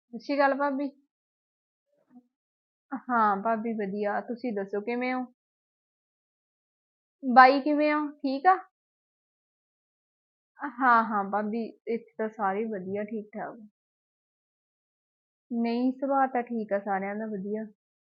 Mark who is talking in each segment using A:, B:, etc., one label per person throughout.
A: ਸਤਿ ਸ਼੍ਰੀ ਅਕਾਲ ਭਾਬੀ। ਹਾਂ ਭਾਬੀ ਵਧੀਆ, ਤੁਸੀਂ ਦੱਸੋ ਕਿਵੇਂ ਹੋ? ਬਾਈ ਕਿਵੇਂ ਹੋ? ਠੀਕ ਆ? ਹਾਂ ਹਾਂ ਭਾਬੀ, ਇੱਥੇ ਤਾਂ ਸਾਰੇ ਵਧੀਆ ਠੀਕ ਠਾਕ। ਨਹੀਂ, ਸੁਭਾਅ ਤਾਂ ਠੀਕ ਆ ਸਾਰਿਆਂ ਦਾ ਵਧੀਆ।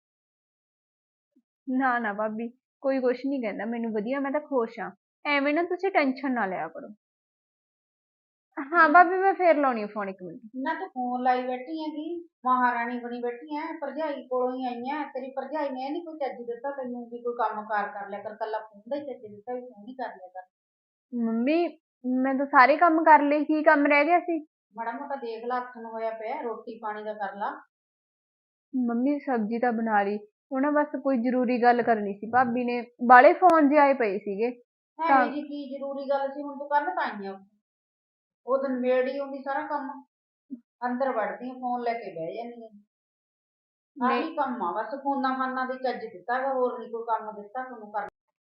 A: ਨਾ ਨਾ ਭਾਬੀ, ਕੋਈ ਕੁਛ ਨੀ ਕਹਿੰਦਾ ਮੈਨੂੰ, ਵਧੀਆ ਮੈਂ ਤਾਂ ਖੁਸ਼ ਆ। ਐਵੇਂ ਨਾ ਤੁਸੀਂ ਟੈਨਸ਼ਨ ਨਾ ਲਿਆ ਕਰੋ। ਹਾਂ ਭਾਬੀ, ਮੈਂ ਫੇਰ ਲਾਉਣੀ ਆ ਫੋਨ, 1 ਮਿੰਟ।
B: ਨਾ ਤੂੰ ਫੋਨ ਲਾਈ ਬੈਠੀ ਹੈਗੀ, ਮਹਾਰਾਣੀ ਬਣੀ ਬੈਠੀ ਐ, ਭਰਜਾਈ ਕੋਲੋਂ ਹੀ ਆਈ ਐ। ਤੇਰੀ ਭਰਜਾਈ ਨੇ ਨੀ ਕੋਈ ਚੱਜ ਦਿੱਤਾ ਤੈਨੂੰ ਵੀ ਕੋਈ ਕੰਮ ਕਾਰ ਕਰ ਲਿਆ ਕਰ, ਕੱਲਾ ਫੋਨ ਦਾ ਹੀ ਚੱਜ ਦਿੱਤਾ ਵੀ ਫੋਨ ਹੀ ਕਰ ਲਿਆ ਕਰ।
A: ਮੰਮੀ, ਮੈਂ ਤਾਂ ਸਾਰੇ ਕੰਮ ਕਰ ਲਏ, ਕੀ ਕੰਮ ਰਹਿ ਗਿਆ ਸੀ?
B: ਮਾੜਾ ਮੋਟਾ ਦੇਖ ਲਾ, ਹੱਥ ਨੂੰ ਹੋਇਆ ਪਿਆ, ਰੋਟੀ ਪਾਣੀ ਦਾ ਕਰ ਲਾ।
A: ਮੰਮੀ ਸਬਜ਼ੀ ਤਾਂ ਬਣਾ ਲਈ, ਉਹ ਨਾ ਬਸ ਕੋਈ ਜ਼ਰੂਰੀ ਗੱਲ ਕਰਨੀ ਸੀ ਭਾਬੀ ਨੇ, ਬਾਲੇ ਫੋਨ ਜਿਹੇ ਆਏ ਪਏ ਸੀਗੇ ਤਾਂ।
B: ਹੈ ਜੀ ਕੀ ਜ਼ਰੂਰੀ ਗੱਲ ਸੀ, ਹੁਣ ਤੂੰ ਕਰਨ ਤਾਂ ਆਈ ਆ। ਉਹ ਦਿਨ ਮੇੜ ਹੀ ਆਉਂਦੀ ਸਾਰਾ ਕੰਮ, ਅੰਦਰ ਵੜਦੀ ਫੋਨ ਲੈ ਕੇ ਬਹਿ ਜਾਂਦੀ ਆ।
A: ਨਹੀਂ
B: ਆਹੀ ਕੰਮ ਆ ਬਸ, ਫੋਨਾਂ ਫਾਨਾਂ ਦੀ ਚੱਜ ਦਿੱਤਾ ਗਾ, ਹੋਰ ਨੀ ਕੋਈ ਕੰਮ ਦਿੱਤਾ ਤੁਹਾਨੂੰ ਕਰ।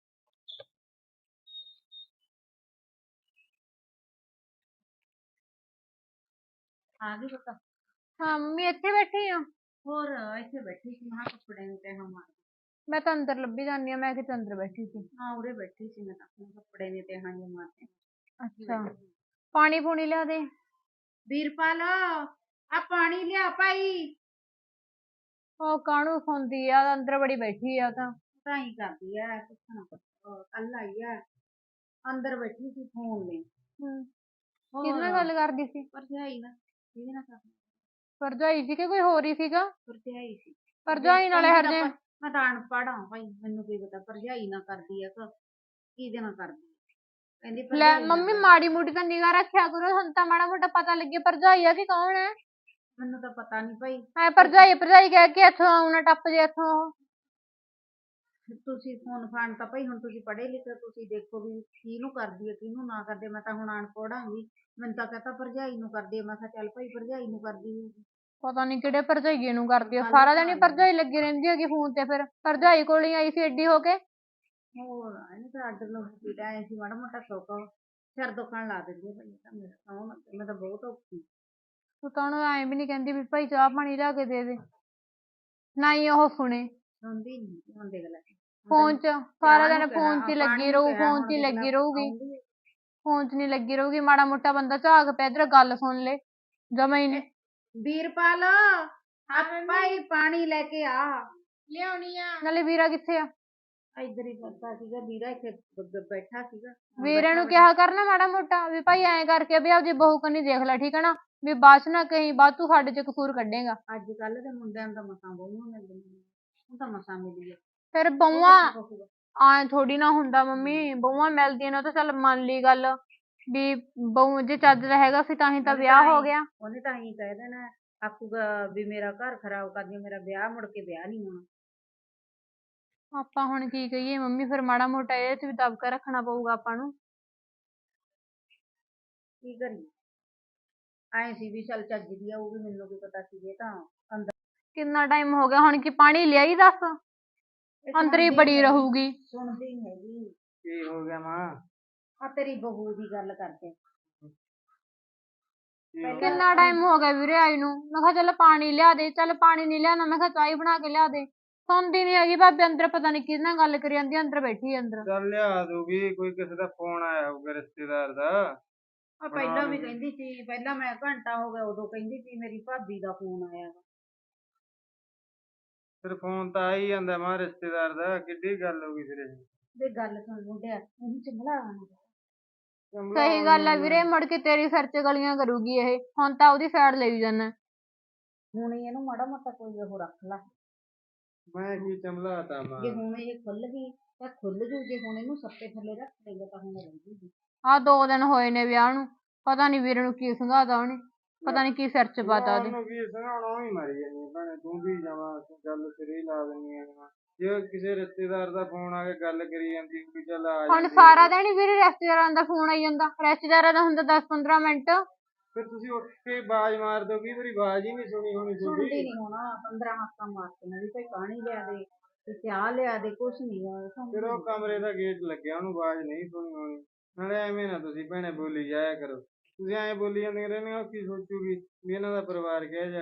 B: ਆ ਗਈ ਪਤਾ।
A: ਹਾਂ ਮੰਮੀ, ਇੱਥੇ ਬੈਠੀ ਆ।
B: ਹੋਰ ਇੱਥੇ ਬੈਠੀ ਸੀ, ਮੈਂ ਕੱਪੜੇ ਨੂੰ ਤੈਨੂੰ ਮਾਰ।
A: ਮੈਂ ਤਾਂ ਅੰਦਰ ਲੱਭੀ ਜਾਂਦੀ ਆ, ਮੈਂ ਕਿਤੇ ਅੰਦਰ ਬੈਠੀ ਸੀ।
B: ਹਾਂ ਉਰੇ ਬੈਠੀ ਸੀ ਮੈਂ ਤਾਂ, ਕੱਪੜੇ ਨੇ ਤੇ ਹਾਂ ਮਾਰਦੇ।
A: ਅੱਛਾ, ਪਾਣੀ ਪੂਣੀ ਲਿਆ ਦੇ।
B: ਵੀਰਪਾਲ, ਆ ਪਾਣੀ ਲਿਆ ਭਾਈ।
A: ਉਹ ਕਾਹਨੂੰ ਸੌਂਦੀ ਆ, ਅੰਦਰ ਬੜੀ ਬੈਠੀ ਆ
B: ਤਾਂ ਹੀ ਕਰਦੀ ਐ, ਪੁੱਛਣਾ ਕੱਲ ਆਈ ਐ, ਅੰਦਰ ਬੈਠੀ ਸੀ ਫੋਨ ਲਈ।
A: ਕਿਹਦੇ ਨਾਲ ਗੱਲ ਕਰਦੀ ਸੀ?
B: ਭਰਜਾਈ ਨਾਲ। ਕਿਹਦੇ ਨਾਲ ਕਰਦੀ?
A: ਭਰਜਾਈ ਸੀ ਕਿ ਕੋਈ ਹੋਰ ਹੀ ਸੀਗਾ?
B: ਭਰਜਾਈ ਸੀ।
A: ਭਰਜਾਈ ਨਾਲੇ ਹਰਜੇ।
B: ਮੈਂ ਤਾਂ ਅਨਪੜ੍ਹ ਆ ਭਾਈ, ਮੈਨੂੰ ਕੀ ਪਤਾ ਭਰਜਾਈ ਨਾਲ ਕਰਦੀ ਆ ਕਿ ਕਿਹਦੇ ਨਾਲ ਕਰਦੀ ਆ। ਕਹਿੰਦੀ
A: ਲੈ
B: ਭਰਜਾਈ ਨਾਲ
A: ਮੰਮੀ, ਮਾੜੀ ਮੋਟੀ ਤਾਂ ਨਿਗਾਹ ਰੱਖਿਆ ਕਰੋ, ਹੁਣ ਤਾਂ ਮਾੜਾ ਮੋਟਾ ਪਤਾ ਲੱਗੇ ਭਰਜਾਈ ਆ ਕਿ ਕੌਣ ਹੈ।
B: ਮੈਨੂੰ ਤਾਂ ਪਤਾ ਨੀ ਭਾਈ।
A: ਐ ਭਰਜਾਈ ਭਰਜਾਈ ਕਹਿ ਕੇ ਇੱਥੋਂ ਆਉਣਾ, ਟੱਪ ਜੇ ਇੱਥੋਂ ਉਹ।
B: ਤੁਸੀਂ ਫੋਨ ਫਾਨ ਤਾਂ ਭਾਈ, ਹੁਣ ਤੁਸੀਂ ਪੜ੍ਹੇ ਲਿਖੇ, ਤੁਸੀਂ ਦੇਖੋ ਵੀ ਕਿਹਨੂੰ ਕਰਦੀ ਹੈ ਕਿਹਨੂੰ ਨਾ ਕਰਦੇ। ਮੈਂ ਤਾਂ ਹੁਣ ਅਨਪੜ੍ਹ ਆਂਗੀ, ਮੈਨੂੰ ਤਾਂ ਕਹਤਾ ਭਰਜਾਈ ਨੂੰ ਕਰਦੀ ਆ, ਮੈਂ ਕਿਹਾ ਚੱਲ ਭਾਈ ਭਰਜਾਈ ਨੂੰ ਕਰਦੀ ਹੋਊਗੀ।
A: ਪਤਾ ਨੀ ਕਿਹੜੇ ਭਰਜਾਈਏ ਨੂੰ ਕਰਦੀ ਆ, ਸਾਰਾ ਦਿਨ ਹੀ ਭਰਜਾਈ ਲੱਗੀ ਰਹਿੰਦੀ ਹੈਗੀ ਫੋਨ ਤੇ, ਫਿਰ ਭਰਜਾਈ ਕੋਲ ਹੀ ਆਈ ਸੀ ਏਡੀ ਹੋ ਕੇ।
B: ਹੋਰ ਇਹਨੇ ਤਾਂ ਅੱਡ ਲੋਕੀ ਦਾ ਐ ਸੀ, ਮਾੜਾ ਮੋਟਾ ਸੁੱਖ ਸਿਰ ਦੁਖਣ ਲਾ ਦਿੰਦੀ ਆ ਭਾਈ, ਤਾਂ ਮੇਰਾ ਸੌਣ, ਮੈਂ ਤਾਂ ਬਹੁਤ ਔਖੀ।
A: ਤੂੰ ਤਾਂ ਉਹਨੂੰ ਐਂ ਵੀ ਨੀ ਕਹਿੰਦੀ ਵੀ ਭਾਈ ਚਾਹ ਪਾਣੀ ਲਿਆ ਕੇ ਦੇ ਦੇ, ਨਾ ਹੀ ਉਹ ਸੁਣੇ।
B: ਸੁਣਦੀ ਨੀ, ਹੁਣ ਦੇਖ ਲੈ।
A: ਫੋਨ ਚ ਸਾਰਾ ਦਿਨ ਫੋਨ ਚ ਹੀ ਲੱਗੀ ਰਹੂ, ਫੋਨ ਚ ਹੀ ਲੱਗੀ ਰਹੂਗੀ। ਫੋਨ ਚ ਨੀ ਲੱਗੀ ਰਹੂਗੀ, ਮਾੜਾ ਮੋਟਾ ਬੰਦਾ ਝਾਕ ਪਿਆ ਇੱਧਰ ਗੱਲ ਸੁਣ ਲੈ, ਜਮਾ ਹੀ ਨੀ।
B: ਵੀਰਪਾਲ, ਭਾਈ ਪਾਣੀ ਲੈ ਕੇ ਆ।
A: ਲਿਆਉਣੀ ਆ। ਨਾਲੇ ਵੀਰਾ ਕਿੱਥੇ ਆ?
B: ਇੱਧਰ ਹੀ ਬੈਠਾ ਸੀਗਾ ਵੀਰਾ, ਇੱਥੇ ਬੈਠਾ ਸੀਗਾ।
A: ਵੀਰੇ ਨੂੰ ਕਿਹਾ ਕਰਨਾ ਮਾੜਾ ਮੋਟਾ ਵੀ ਭਾਈ ਐਂ ਕਰਕੇ ਵੀ ਆਪਦੀ ਬਹੂ ਕੰਨੀ ਦੇਖ ਲੈ, ਠੀਕ ਹੈ ਨਾ, ਵੀ ਬਾਅਦ ਚ ਨਾ ਕਹੀਂ ਬਾਅਦ ਤੂੰ ਸਾਡੇ ਚ ਕਸੂਰ ਕੱਢੇਗਾ।
B: ਅੱਜ ਕੱਲ ਦੇ ਮੁੰਡਿਆਂ ਨੂੰ ਤਾਂ ਮਸਾਂ ਬਹੂਆਂ ਮਿਲਦੀਆਂ, ਹੁਣ ਤਾਂ ਮਸਾਂ ਮਿਲੀ ਹੈ।
A: ਫਿਰ ਬਹੂਆਂ ਐਂ ਥੋੜੀ ਨਾ ਹੁੰਦਾ ਮੰਮੀ, ਬਹੂਆਂ ਮਿਲਦੀਆਂ ਨੇ, ਉਹ ਤਾਂ ਚੱਲ ਮੰਨ ਲਈ ਗੱਲ ਵੀ ਬਹੂ ਜੇ ਚੱਜ ਦਾ ਹੈਗਾ ਸੀ ਤਾਂ ਹੀ ਤਾਂ ਵਿਆਹ ਹੋ ਗਿਆ।
B: ਉਹਨੇ ਤਾਂ ਹੀ ਕਹਿ ਦੇਣਾ, ਆਖੂਗਾ ਵੀ ਮੇਰਾ ਘਰ ਖਰਾਬ ਕਰਦੀ, ਮੇਰਾ ਵਿਆਹ ਮੁੜ ਕੇ ਵਿਆਹ ਨੀ ਹੋਣਾ।
A: ਆਪਾਂ ਹੁਣ ਕੀ ਕਹੀਏ ਮੰਮੀ, ਫਿਰ ਮਾੜਾ ਮੋਟਾ ਇਹਦੇ ਚ ਵੀ ਦਬਕਾ ਰੱਖਣਾ ਪਊਗਾ ਆਪਾਂ ਨੂੰ।
B: ਕੀ ਕਰੀਏ, ਐ ਸੀ ਵੀ ਚੱਲ ਚੱਜ ਦੀ ਆਊਗੀ, ਮੈਨੂੰ ਕੀ ਪਤਾ ਸੀ ਇਹ ਤਾਂ ਅੰਦਰ।
A: ਕਿੰਨਾ ਟਾਈਮ ਹੋ ਗਿਆ ਹੁਣ, ਕੀ ਪਾਣੀ ਲਿਆਈ ਦੱਸ, ਅੰਦਰ ਹੀ ਬੜੀ ਰਹੂਗੀ।
B: ਸੁਣਦੀ ਨੀ ਹੈਗੀ।
C: ਕੀ ਹੋ ਗਿਆ ਮਾਂ?
B: ਆ ਤੇਰੀ ਬਹੂ ਦੀ ਗੱਲ ਕਰਦੇ।
A: ਕਿੰਨਾ ਟਾਈਮ ਹੋ ਗਿਆ ਵੀਰੇ ਆਈ ਨੂੰ, ਮੈਂ ਕਿਹਾ ਚੱਲ ਪਾਣੀ ਲਿਆ ਦੇ, ਚੱਲ ਪਾਣੀ ਨੀ ਲਿਆਉਣਾ, ਮੈਂ ਕਿਹਾ ਚਾਹ ਬਣਾ ਕੇ ਲਿਆ ਦੇ। ਸੁਣਦੀ ਨੀ ਹੈਗੀ ਭਾਬੀ, ਅੰਦਰ ਪਤਾ ਨੀ ਕਿਹਦੇ ਨਾਲ ਗੱਲ ਕਰੀ ਜਾਂਦੀ, ਅੰਦਰ ਬੈਠੀ ਅੰਦਰ।
C: ਚੱਲ ਲਿਆ ਦੂਗੀ, ਕੋਈ ਕਿਸੇ ਦਾ ਫੋਨ ਆਇਆ ਹੋਊਗਾ ਰਿਸ਼ਤੇਦਾਰ ਦਾ।
B: ਆ ਪਹਿਲਾਂ ਵੀ ਕਹਿੰਦੀ ਸੀ, ਪਹਿਲਾਂ ਮੈਂ ਘੰਟਾ ਹੋ ਗਿਆ ਉਦੋਂ ਕਹਿੰਦੀ ਸੀ ਮੇਰੀ ਭਾਬੀ ਦਾ ਫੋਨ ਆਇਆ ਵਾ।
C: ਫਿਰ ਫੋਨ ਤਾਂ ਆ ਹੀ ਜਾਂਦਾ ਮਾਂ ਰਿਸ਼ਤੇਦਾਰ ਦਾ, ਕਿੱਡੀ ਗੱਲ ਹੋ ਗਈ ਫਿਰ ਇਹ।
B: ਵੇ ਗੱਲ ਸੁਣ ਮੁੰਡਿਆ, ਉਹਨੂੰ ਚੰਬਲਾ।
A: ਸਹੀ ਗੱਲ ਆ ਵੀਰੇ, ਮੁੜ ਕੇ ਤੇਰੀ ਸਿਰ ਚ ਗਲੀਆਂ ਕਰੂਗੀ ਇਹ, ਹੁਣ ਤਾਂ ਉਹਦੀ ਸਾਈਡ ਲਈ ਜਾਨਾ।
B: ਹੁਣ ਇਹਨੂੰ ਮਾੜਾ ਮੋਟਾ ਕੋਈ ਉਹ ਰੱਖ ਲਾ।
C: ਮੈਂ ਕੀ ਚੰਬਲਾਤਾ ਮਾਂ?
B: ਜੇ ਹੁਣ ਇਹ ਖੁੱਲ ਗਈ ਤਾਂ ਖੁੱਲ ਜੂ, ਜੇ ਹੁਣ ਇਹਨੂੰ ਸੱਪੇ ਥੱਲੇ ਰੱਖ ਦੇਗਾ ਤਾਂ ਹੁਣ ਰਹਿ ਜੂਗੀ।
A: ਆਹ 2 ਦਿਨ ਹੋਏ ਨੇ ਵਿਆਹ ਨੂੰ, ਪਤਾ ਨੀ ਵੀਰੇ ਨੂੰ ਕੀ ਸੰਘਾਤਾ ਉਹਨੇ, ਪਤਾ ਨੀ ਕੀ ਸਿਰ ਚ ਪਾਤਾ ਉਹਦੇ।
C: ਉਹਨੂੰ ਕੀ ਸੁਣਾਉਣਾ, ਹੀ ਮਰੀ ਜਾਂਦੀ ਭੈਣੇ, ਤੂੰ ਵੀ ਜਾਵਾਂ ਗੱਲ ਸਿਰੇ ਹੀ ਲਾ ਦਿੰਦੀ ਆ। ਜੇ ਕਿਸੇ ਰਿਸ਼ਤੇਦਾਰ ਦਾ ਫੋਨ ਆ ਕੇ ਗੱਲ ਕਰੀ ਜਾਂਦੀ ਵੀ ਚੱਲ ਆ
A: ਹੁਣ
C: ਜਾਂਦੀ।
A: ਸਾਰਾ ਦਿਨ ਹੀ ਵੀਰੇ ਰਿਸ਼ਤੇਦਾਰਾਂ ਦਾ ਫੋਨ ਆਈ ਜਾਂਦਾ, ਰਿਸ਼ਤੇਦਾਰਾਂ ਦਾ ਹੁੰਦਾ 10-15 ਮਿੰਟ।
C: ਫਿਰ ਤੁਸੀਂ ਉੱਠ ਕੇ ਆਵਾਜ਼ ਮਾਰ ਦਿਓ, ਕਈ ਵਾਰੀ ਆਵਾਜ਼ ਹੀ ਨਹੀਂ ਸੁਣੀ ਹੋਣੀ ਤੁਹਾਡੀ।
B: ਸੁਣਦੀ ਨੀ ਹੋਣਾ, 15 ਹੱਥਾਂ ਮਾਰਤੀਆਂ ਵੀ ਭਾਈ ਪਾਣੀ ਲਿਆ ਦੇ ਤੇ ਚਾਹ ਲਿਆ ਦੇ, ਕੁਛ ਨੀ।
C: ਫਿਰ ਉਹ ਕਮਰੇ ਦਾ ਗੇਟ ਲੱਗਿਆ, ਉਹਨੂੰ ਆਵਾਜ਼ ਨਹੀਂ ਸੁਣੀ ਹੋਣੀ। ਨਾਲੇ ਐਵੇਂ ਨਾ ਤੁਸੀਂ ਭੈਣੇ ਬੋਲੀ ਜਾਇਆ ਕਰੋ, ਤੁਸੀਂ ਐਂ ਬੋਲੀ ਜਾਂਦੀਆਂ ਰਹਿੰਦੀਆਂ, ਉਹ ਕੀ ਸੋਚੂਗੀ ਵੀ ਇਹਨਾਂ ਦਾ ਪਰਿਵਾਰ ਕਿਹੋ ਜਿਹਾ ਗਾ।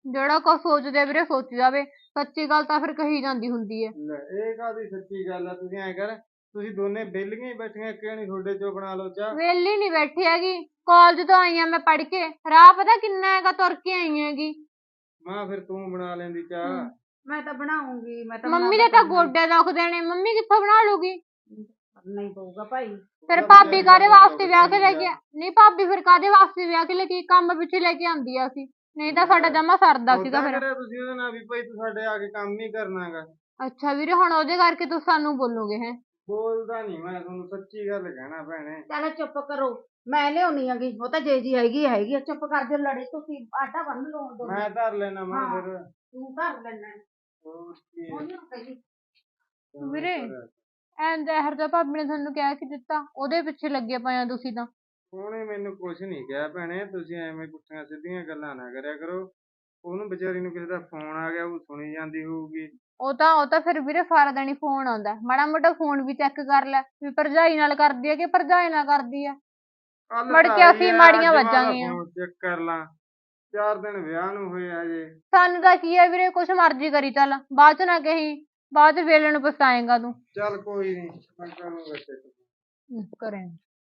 A: ਜਿਹੜਾ ਕੁਛ ਸੋਚਦੇ ਆ ਵੀਰੇ ਸੋਚੀ ਜਾਵੇ, ਸੱਚੀ ਗੱਲ ਤਾਂ ਫਿਰ ਕਹੀ ਜਾਂਦੀ ਹੁੰਦੀ ਹੈ।
C: ਲੈ ਇਹ ਕਾਹਦੀ ਸੱਚੀ ਗੱਲ ਆ, ਤੁਸੀਂ ਐਂ ਕਰ, ਤੁਸੀਂ ਦੋਨੇ ਵਿਹਲੀਆਂ ਹੀ ਬੈਠੀਆਂ, ਕਿਉਂ ਨੀ ਤੁਹਾਡੇ ਚੋਂ ਬਣਾ ਲਓ ਚਾਹ।
A: ਵਿਹਲੀ ਨੀ ਬੈਠੀ ਹੈਗੀ, ਕਾਲਜ ਤੋਂ ਆਈ ਆ ਮੈਂ ਪੜ੍ਹ ਕੇ, ਰਾਹ ਪਤਾ ਕਿੰਨਾ ਹੈਗਾ, ਤੁਰ ਕੇ ਆਈ ਹੈਗੀ।
C: ਮਾਂ ਫਿਰ ਤੂੰ ਬਣਾ ਲੈਂਦੀ ਚਾਹ।
B: ਮੈਂ ਤਾਂ ਬਣਾਉਂਗੀ, ਮੈਂ ਤਾਂ
A: ਮੰਮੀ
B: ਬਣਾ
A: ਦੇ
B: ਕੇ
A: ਤਾਂ
B: ਕਰਨਾ
A: ਗੋਡੇ ਦੁਖਦੇ ਨੇ, ਮੰਮੀ ਕਿੱਥੋਂ ਬਣਾ ਲੂਗੀ।
B: ਕਰਨਾ ਹੀ ਪਊਗਾ ਭਾਈ।
A: ਫਿਰ
C: ਉਹਦਾ
A: ਭਾਬੀ
C: ਵਿਚਾਰੀ
A: ਕਾਹਦੇ
C: ਦਾ
A: ਵਾਸਤੇ
C: ਦੁਖਦਾ
A: ਵਿਆਹ ਕੇ
C: ਨੀ
A: ਲੈ
C: ਗਾ।
A: ਕੇ ਨਹੀਂ ਭਾਬੀ ਫਿਰ ਕਾਹਦੇ ਵਾਸਤੇ ਵਿਆਹ ਕੇ ਲੈ ਕੇ, ਕੰਮ ਪਿੱਛੇ ਲੈ ਕੇ ਆਂਦੀ ਆ ਅਸੀਂ, ਨਹੀਂ ਤਾਂ ਸਾਡਾ ਜਮਾ ਸਰਦਾ ਸੀਗਾ
C: ਓਦਾਂ
A: ਫਿਰ।
C: ਕਰਿਆ ਤੁਸੀਂ ਉਹਦੇ ਨਾਲ ਵੀ ਭਾਈ ਤੂੰ ਸਾਡੇ ਆ ਕੇ ਕੰਮ ਨਹੀਂ ਕਰਨਾਗਾ।
A: ਅੱਛਾ ਵੀਰੇ, ਹੁਣ ਉਹਦੇ ਕਰਕੇ ਤੁਸੀਂ ਸਾਨੂੰ ਬੋਲੋਗੇ ਹੈ।
C: ਬੋਲਦਾ ਨਹੀਂ, ਮੈਂ ਤੁਹਾਨੂੰ ਸੱਚੀ ਗੱਲ ਕਹਿਣਾ ਭੈਣੇ।
B: ਚੱਲ ਚੁੱਪ ਕਰੋ, ਮੈਂ ਲਿਆਉਣੀ ਹੈਗੀ, ਉਹ ਤਾਂ ਜੇ ਜੀ ਹੈਗੀ ਹੈਗੀ ਆ, ਚੁੱਪ ਕਰ ਜਾਓ, ਲੜੇ ਤੁਸੀਂ ਆਟਾ ਬੰਨ ਲਓ ਦੋਨੋਂ।
C: ਮੈਂ ਧਰ ਲੈਣਾ ਮਾਂ
B: ਹਾਂ।
C: ਫਿਰ।
B: ਤੂੰ ਕਰ ਲੈਣਾ,
C: ਹੋਰ ਕੀ ਹੈ,
B: ਉਹਨੂੰ ਕਹੀ
A: ਵੀਰੇ
C: ਪਰ
A: ਐਂ ਜ਼ਹਿਰ ਦਾ ਭਾਬੀ ਨੇ ਤੁਹਾਨੂੰ ਕਹਿ ਕੇ ਦਿੱਤਾ, ਉਹਦੇ ਪਿੱਛੇ ਲੱਗੇ ਪਏ ਆ ਤੁਸੀਂ ਤਾਂ।
C: ਉਹਨੇ ਮੈਨੂੰ ਕੁਛ ਨਹੀਂ ਕਿਹਾ ਭੈਣੇ, ਤੁਸੀਂ ਐਵੇਂ ਪੁੱਠੀਆਂ ਸਿੱਧੀਆਂ ਗੱਲਾਂ ਨਾ ਕਰਿਆ ਕਰੋ। ਉਹਨੂੰ ਵਿਚਾਰੀ ਨੂੰ ਕਿਸੇ ਦਾ ਫੋਨ ਆ ਗਿਆ, ਉਹ ਸੁਣੀ ਜਾਂਦੀ ਹੋਊਗੀ।
A: ਉਹ ਤਾਂ ਫਿਰ ਵੀਰੇ ਸਾਰਾ ਦਿਨ ਹੀ ਫੋਨ ਆਉਂਦਾ, ਮਾੜਾ ਮੋਟਾ ਫੋਨ ਵੀ ਚੈੱਕ ਕਰ ਲੈ ਵੀ ਭਰਜਾਈ ਨਾਲ ਕਰਦੀ ਹੈ ਕਿ ਭਰਜਾਈ ਨਾਲ ਕਰਦੀ ਹੈ।
C: ਕੱਲ
A: ਮੁੜ
C: ਤਾਂ
A: ਕੇ
C: ਆਈ
A: ਅਸੀਂ
C: ਆ,
A: ਮਾੜੀਆਂ
C: ਅੱਜ ਮੈਂ ਉਹਦਾ
A: ਵੱਜਾਂਗੀਆਂ।
C: ਫੋਨ ਚੈੱਕ ਕਰ ਲਾਂ। 4 ਦਿਨ ਵਿਆਹ ਨੂੰ ਹੋਏ ਆ ਜੇ।
A: ਸਾਨੂੰ ਤਾਂ ਕੀ ਹੈ ਵੀਰੇ, ਕੁਛ ਮਰਜ਼ੀ ਕਰੀ ਚੱਲ, ਬਾਅਦ ਚ ਨਾ ਕਹੀਂ, ਬਾਅਦ ਚ ਵੇਲੇ ਨੂੰ ਪਛਤਾਏਂਗਾ ਤੂੰ।
C: ਚੱਲ ਕੋਈ ਨਹੀਂ, ਮੈਂ ਕਰੂੰਗਾ ਚੈੱਕ।
A: ਕਰੇ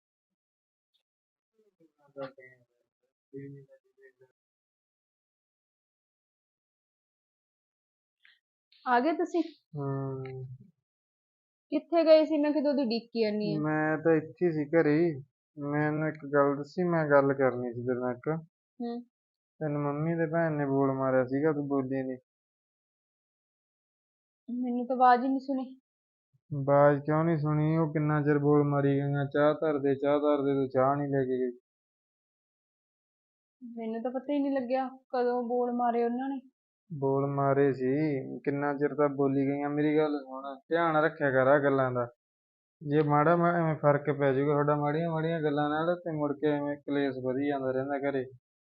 A: ਆ ਗਏ ਤੁਸੀਂ?
C: ਹੂੰ।
A: ਕਿੱਥੇ ਗਏ ਸੀ? ਮੈਂ ਕਿਦੋਂ ਦੀ ਉਡੀਕੀ ਜਾਨੀ ਆ।
C: ਮੈਂ ਤਾਂ ਇੱਥੇ ਸੀ ਘਰੇ ਹੀ। ਮੈਨੂੰ ਇੱਕ ਗੱਲ ਦੱਸੀ, ਮੈਂ ਗੱਲ ਕਰਨੀ ਸੀ ਤੇਰੇ ਨਾਲ ਇੱਕ।
A: ਹੂੰ।
C: ਤੈਨੂੰ ਮੰਮੀ ਤੇ ਭੈਣ ਨੇ ਬੋਲ ਮਾਰਿਆ ਸੀਗਾ, ਤੂੰ ਬੋਲੀ ਨੀ।
A: ਮੈਨੂੰ ਤਾਂ ਆਵਾਜ਼ ਹੀ ਨਹੀਂ ਸੁਣੀ।
C: ਆਵਾਜ਼ ਕਿਉਂ ਨਹੀਂ ਸੁਣੀ? ਉਹ ਕਿੰਨਾ ਚਿਰ ਬੋਲ ਮਾਰੀ ਗਈਆਂ, ਚਾਹ ਧਰ ਦੇ ਚਾਹ ਧਰ ਦੇ, ਤੂੰ ਚਾਹ ਨਹੀਂ ਲੈ ਕੇ ਗਈ।
A: ਮੈਨੂੰ ਤਾਂ ਪਤਾ ਹੀ ਨਹੀਂ ਲੱਗਿਆ ਕਦੋਂ ਬੋਲ ਮਾਰੇ ਉਹਨਾਂ ਨੇ।
C: ਬੋਲ ਮਾਰੇ ਸੀ, ਕਿੰਨਾ ਚਿਰ ਤਾਂ ਬੋਲੀ ਗਈਆਂ। ਮੇਰੀ ਗੱਲ ਸੁਣ, ਧਿਆਨ ਰੱਖਿਆ ਕਰ ਆ ਗੱਲਾਂ ਦਾ। ਜੇ ਮਾੜਾ ਐਵੇਂ ਫਰਕ ਪੈ ਜਾਊਗਾ ਤੁਹਾਡਾ ਮਾੜੀਆਂ ਮਾੜੀਆਂ ਗੱਲਾਂ ਨਾਲ, ਤੇ ਮੁੜ ਕੇ ਐਵੇਂ ਕਲੇਸ਼ ਵਧੀ ਜਾਂਦਾ ਰਹਿੰਦਾ ਘਰੇ।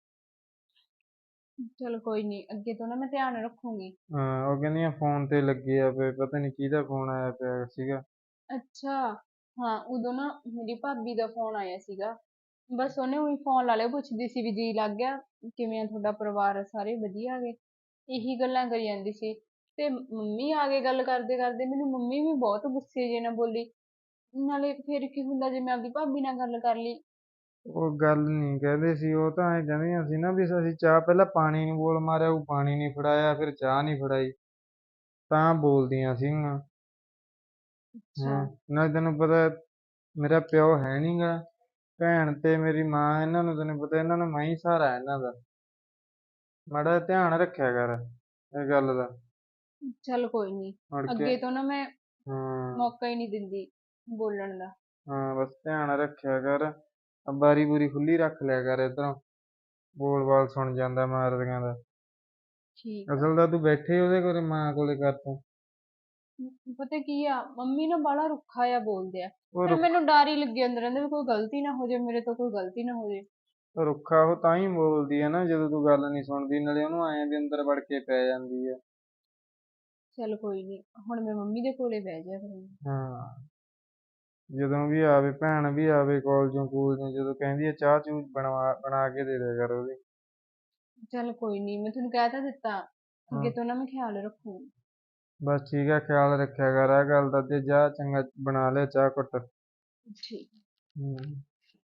A: ਚਲ ਕੋਈ ਨਹੀਂ, ਅੱਗੇ ਤੋਂ ਨਾ ਮੈਂ ਧਿਆਨ ਰੱਖੂੰਗੀ।
C: ਹਾਂ, ਉਹ ਕਹਿੰਦੀਆਂ ਫੋਨ ਤੇ ਲੱਗੇ ਆ ਪਏ, ਪਤਾ ਨਹੀਂ ਕਿਹਦਾ ਫੋਨ ਆਇਆ ਪਿਆ ਸੀਗਾ।
A: ਅੱਛਾ, ਹਾਂ ਉਦੋਂ ਨਾ ਮੇਰੀ ਭਾਬੀ ਦਾ ਫੋਨ ਆਇਆ ਸੀਗਾ, ਬਸ ਉਹਨੇ ਉਹੀ ਫੋਨ ਲਾ ਲਿਆ, ਪੁੱਛਦੀ ਸੀ ਵੀ ਜੀ ਲੱਗ ਗਿਆ, ਕਿਵੇਂ ਆ ਤੁਹਾਡਾ ਪਰਿਵਾਰ, ਸਾਰੇ ਵਧੀਆ ਗੇ, ਇਹੀ ਗੱਲਾਂ ਕਰੀ ਜਾਂਦੀ ਸੀ। ਤੇ ਮੰਮੀ ਆ ਗਏ, ਗੱਲ ਕਰਦੇ ਕਰਦੇ ਮੈਨੂੰ ਮੰਮੀ ਵੀ ਬਹੁਤ ਗੁੱਸੇ ਜੇ ਨਾਲ ਬੋਲੀ, ਨਾਲੇ ਫਿਰ ਕੀ ਹੁੰਦਾ ਜੇ ਮੈਂ ਆਪਦੀ ਭਾਬੀ ਨਾਲ ਗੱਲ ਕਰ ਲਈ।
C: ਉਹ ਗੱਲ ਨਹੀਂ ਕਹਿੰਦੇ ਸੀ, ਉਹ ਤਾਂ ਐਂ ਕਹਿੰਦੀਆਂ ਸੀ ਨਾ ਵੀ ਅਸੀਂ ਚਾਹ ਪਹਿਲਾਂ ਪਾਣੀ ਨੂੰ ਬੋਲ ਮਾਰਿਆ, ਉਹ ਪਾਣੀ ਨਹੀਂ ਫੜਾਇਆ, ਫਿਰ ਚਾਹ ਨਹੀਂ ਫੜਾਈ, ਤਾਂ ਬੋਲਦੀਆਂ ਸੀਗੀਆਂ।
A: ਅੱਛਾ।
C: ਨਾਲੇ ਤੈਨੂੰ ਪਤਾ ਮੇਰਾ ਪਿਓ ਹੈ ਨੀ ਗਾ, ਭੈਣ ਤੇ ਮੇਰੀ ਮਾਂ, ਇਹਨਾਂ ਨੂੰ ਤੈਨੂੰ ਪਤਾ, ਇਹਨਾਂ ਨੂੰ ਮੈਂ ਹੀ ਸਹਾਰਾ ਇਹਨਾਂ ਦਾ। ਮਾੜਾ ਜਿਹਾ ਧਿਆਨ ਰੱਖਿਆ ਕਰ ਇਹ ਗੱਲ ਦਾ।
A: ਚੱਲ ਕੋਈ ਨਹੀਂ,
C: ਮੁੜ ਕੇ
A: ਅੱਗੇ ਤੋਂ ਨਾ ਮੈਂ
C: ਹਾਂ
A: ਮੌਕਾ ਹੀ ਨਹੀਂ ਦਿੰਦੀ ਬੋਲਣ ਦਾ।
C: ਹਾਂ, ਬਸ ਧਿਆਨ ਰੱਖਿਆ ਕਰ, ਬਾਰੀ ਬੂਰੀ ਖੁੱਲੀ ਰੱਖ ਲਿਆ ਕਰ ਇੱਧਰੋਂ, ਬੋਲ ਬਾਲ ਸੁਣ ਜਾਂਦਾ ਮਾਰਦੀਆਂ ਦਾ।
A: ਠੀਕ ਆ।
C: ਅਸਲ ਤਾਂ ਤੂੰ ਬੈਠੇ ਉਹਦੇ ਕੋਲੇ, ਮਾਂ ਕੋਲੇ ਕਰ ਤੂੰ।
A: ਪਤਾ ਕੀ ਆ, ਮੰਮੀ ਨਾ ਬਾਹਲਾ ਰੁੱਖਾ ਜਿਹਾ ਬੋਲਦੇ ਆ,
C: ਉਹ
A: ਫਿਰ ਮੈਨੂੰ ਡਰ ਹੀ ਲੱਗੀ ਅੰਦਰ ਰਹਿੰਦਾ ਵੀ ਕੋਈ ਗਲਤੀ ਨਾ ਹੋ ਜਾਏ ਮੇਰੇ ਤੋਂ, ਕੋਈ ਗਲਤੀ ਨਾ ਹੋ ਜਾਏ।
C: ਰੁੱਖਾ ਉਹ ਤਾਂ ਹੀ ਬੋਲਦੀ ਹੈ ਨਾ, ਜਦੋਂ ਤੂੰ ਗੱਲ ਨਹੀਂ ਸੁਣਦੀ, ਨਾਲੇ ਉਹਨੂੰ ਐਂ ਵੀ ਅੰਦਰ ਵੜ ਕੇ ਪੈ ਜਾਂਦੀ ਹੈ।
A: ਚੱਲ ਕੋਈ ਨਹੀਂ, ਹੁਣ ਮੈਂ ਮੰਮੀ ਦੇ ਕੋਲੇ ਬਹਿ ਜਾ ਕਰਾਂਗੀ।
C: ਹਾਂ, ਜਦੋਂ ਵੀ ਆਵੇ, ਭੈਣ ਵੀ ਆਵੇ ਕਾਲਜੋਂ ਕੂਲਜੋਂ, ਜਦੋਂ ਕਹਿੰਦੀ ਹੈ ਚਾਹ ਚੂਹ ਬਣਾ ਕੇ ਦੇ ਦਿਆ ਕਰ ਉਹਦੀ।
A: ਚੱਲ ਕੋਈ ਨਹੀਂ, ਮੈਂ ਤੁਹਾਨੂੰ ਕਹਿ ਤਾਂ ਦਿੱਤਾ,
C: ਹਾਂ
A: ਅੱਗੇ ਤੋਂ ਨਾ ਮੈਂ ਖਿਆਲ ਰੱਖੂੰਗੀ।
C: ਬਸ ਠੀਕ ਹੈ, ਖਿਆਲ ਰੱਖਿਆ ਕਰ ਆਹ ਗੱਲ ਦਾ, ਤੇ ਜਾ ਚੰਗਾ ਬਣਾ ਲਿਆ ਚਾਹ ਘੁੱਟ।
A: ਠੀਕ।
C: ਹਮ।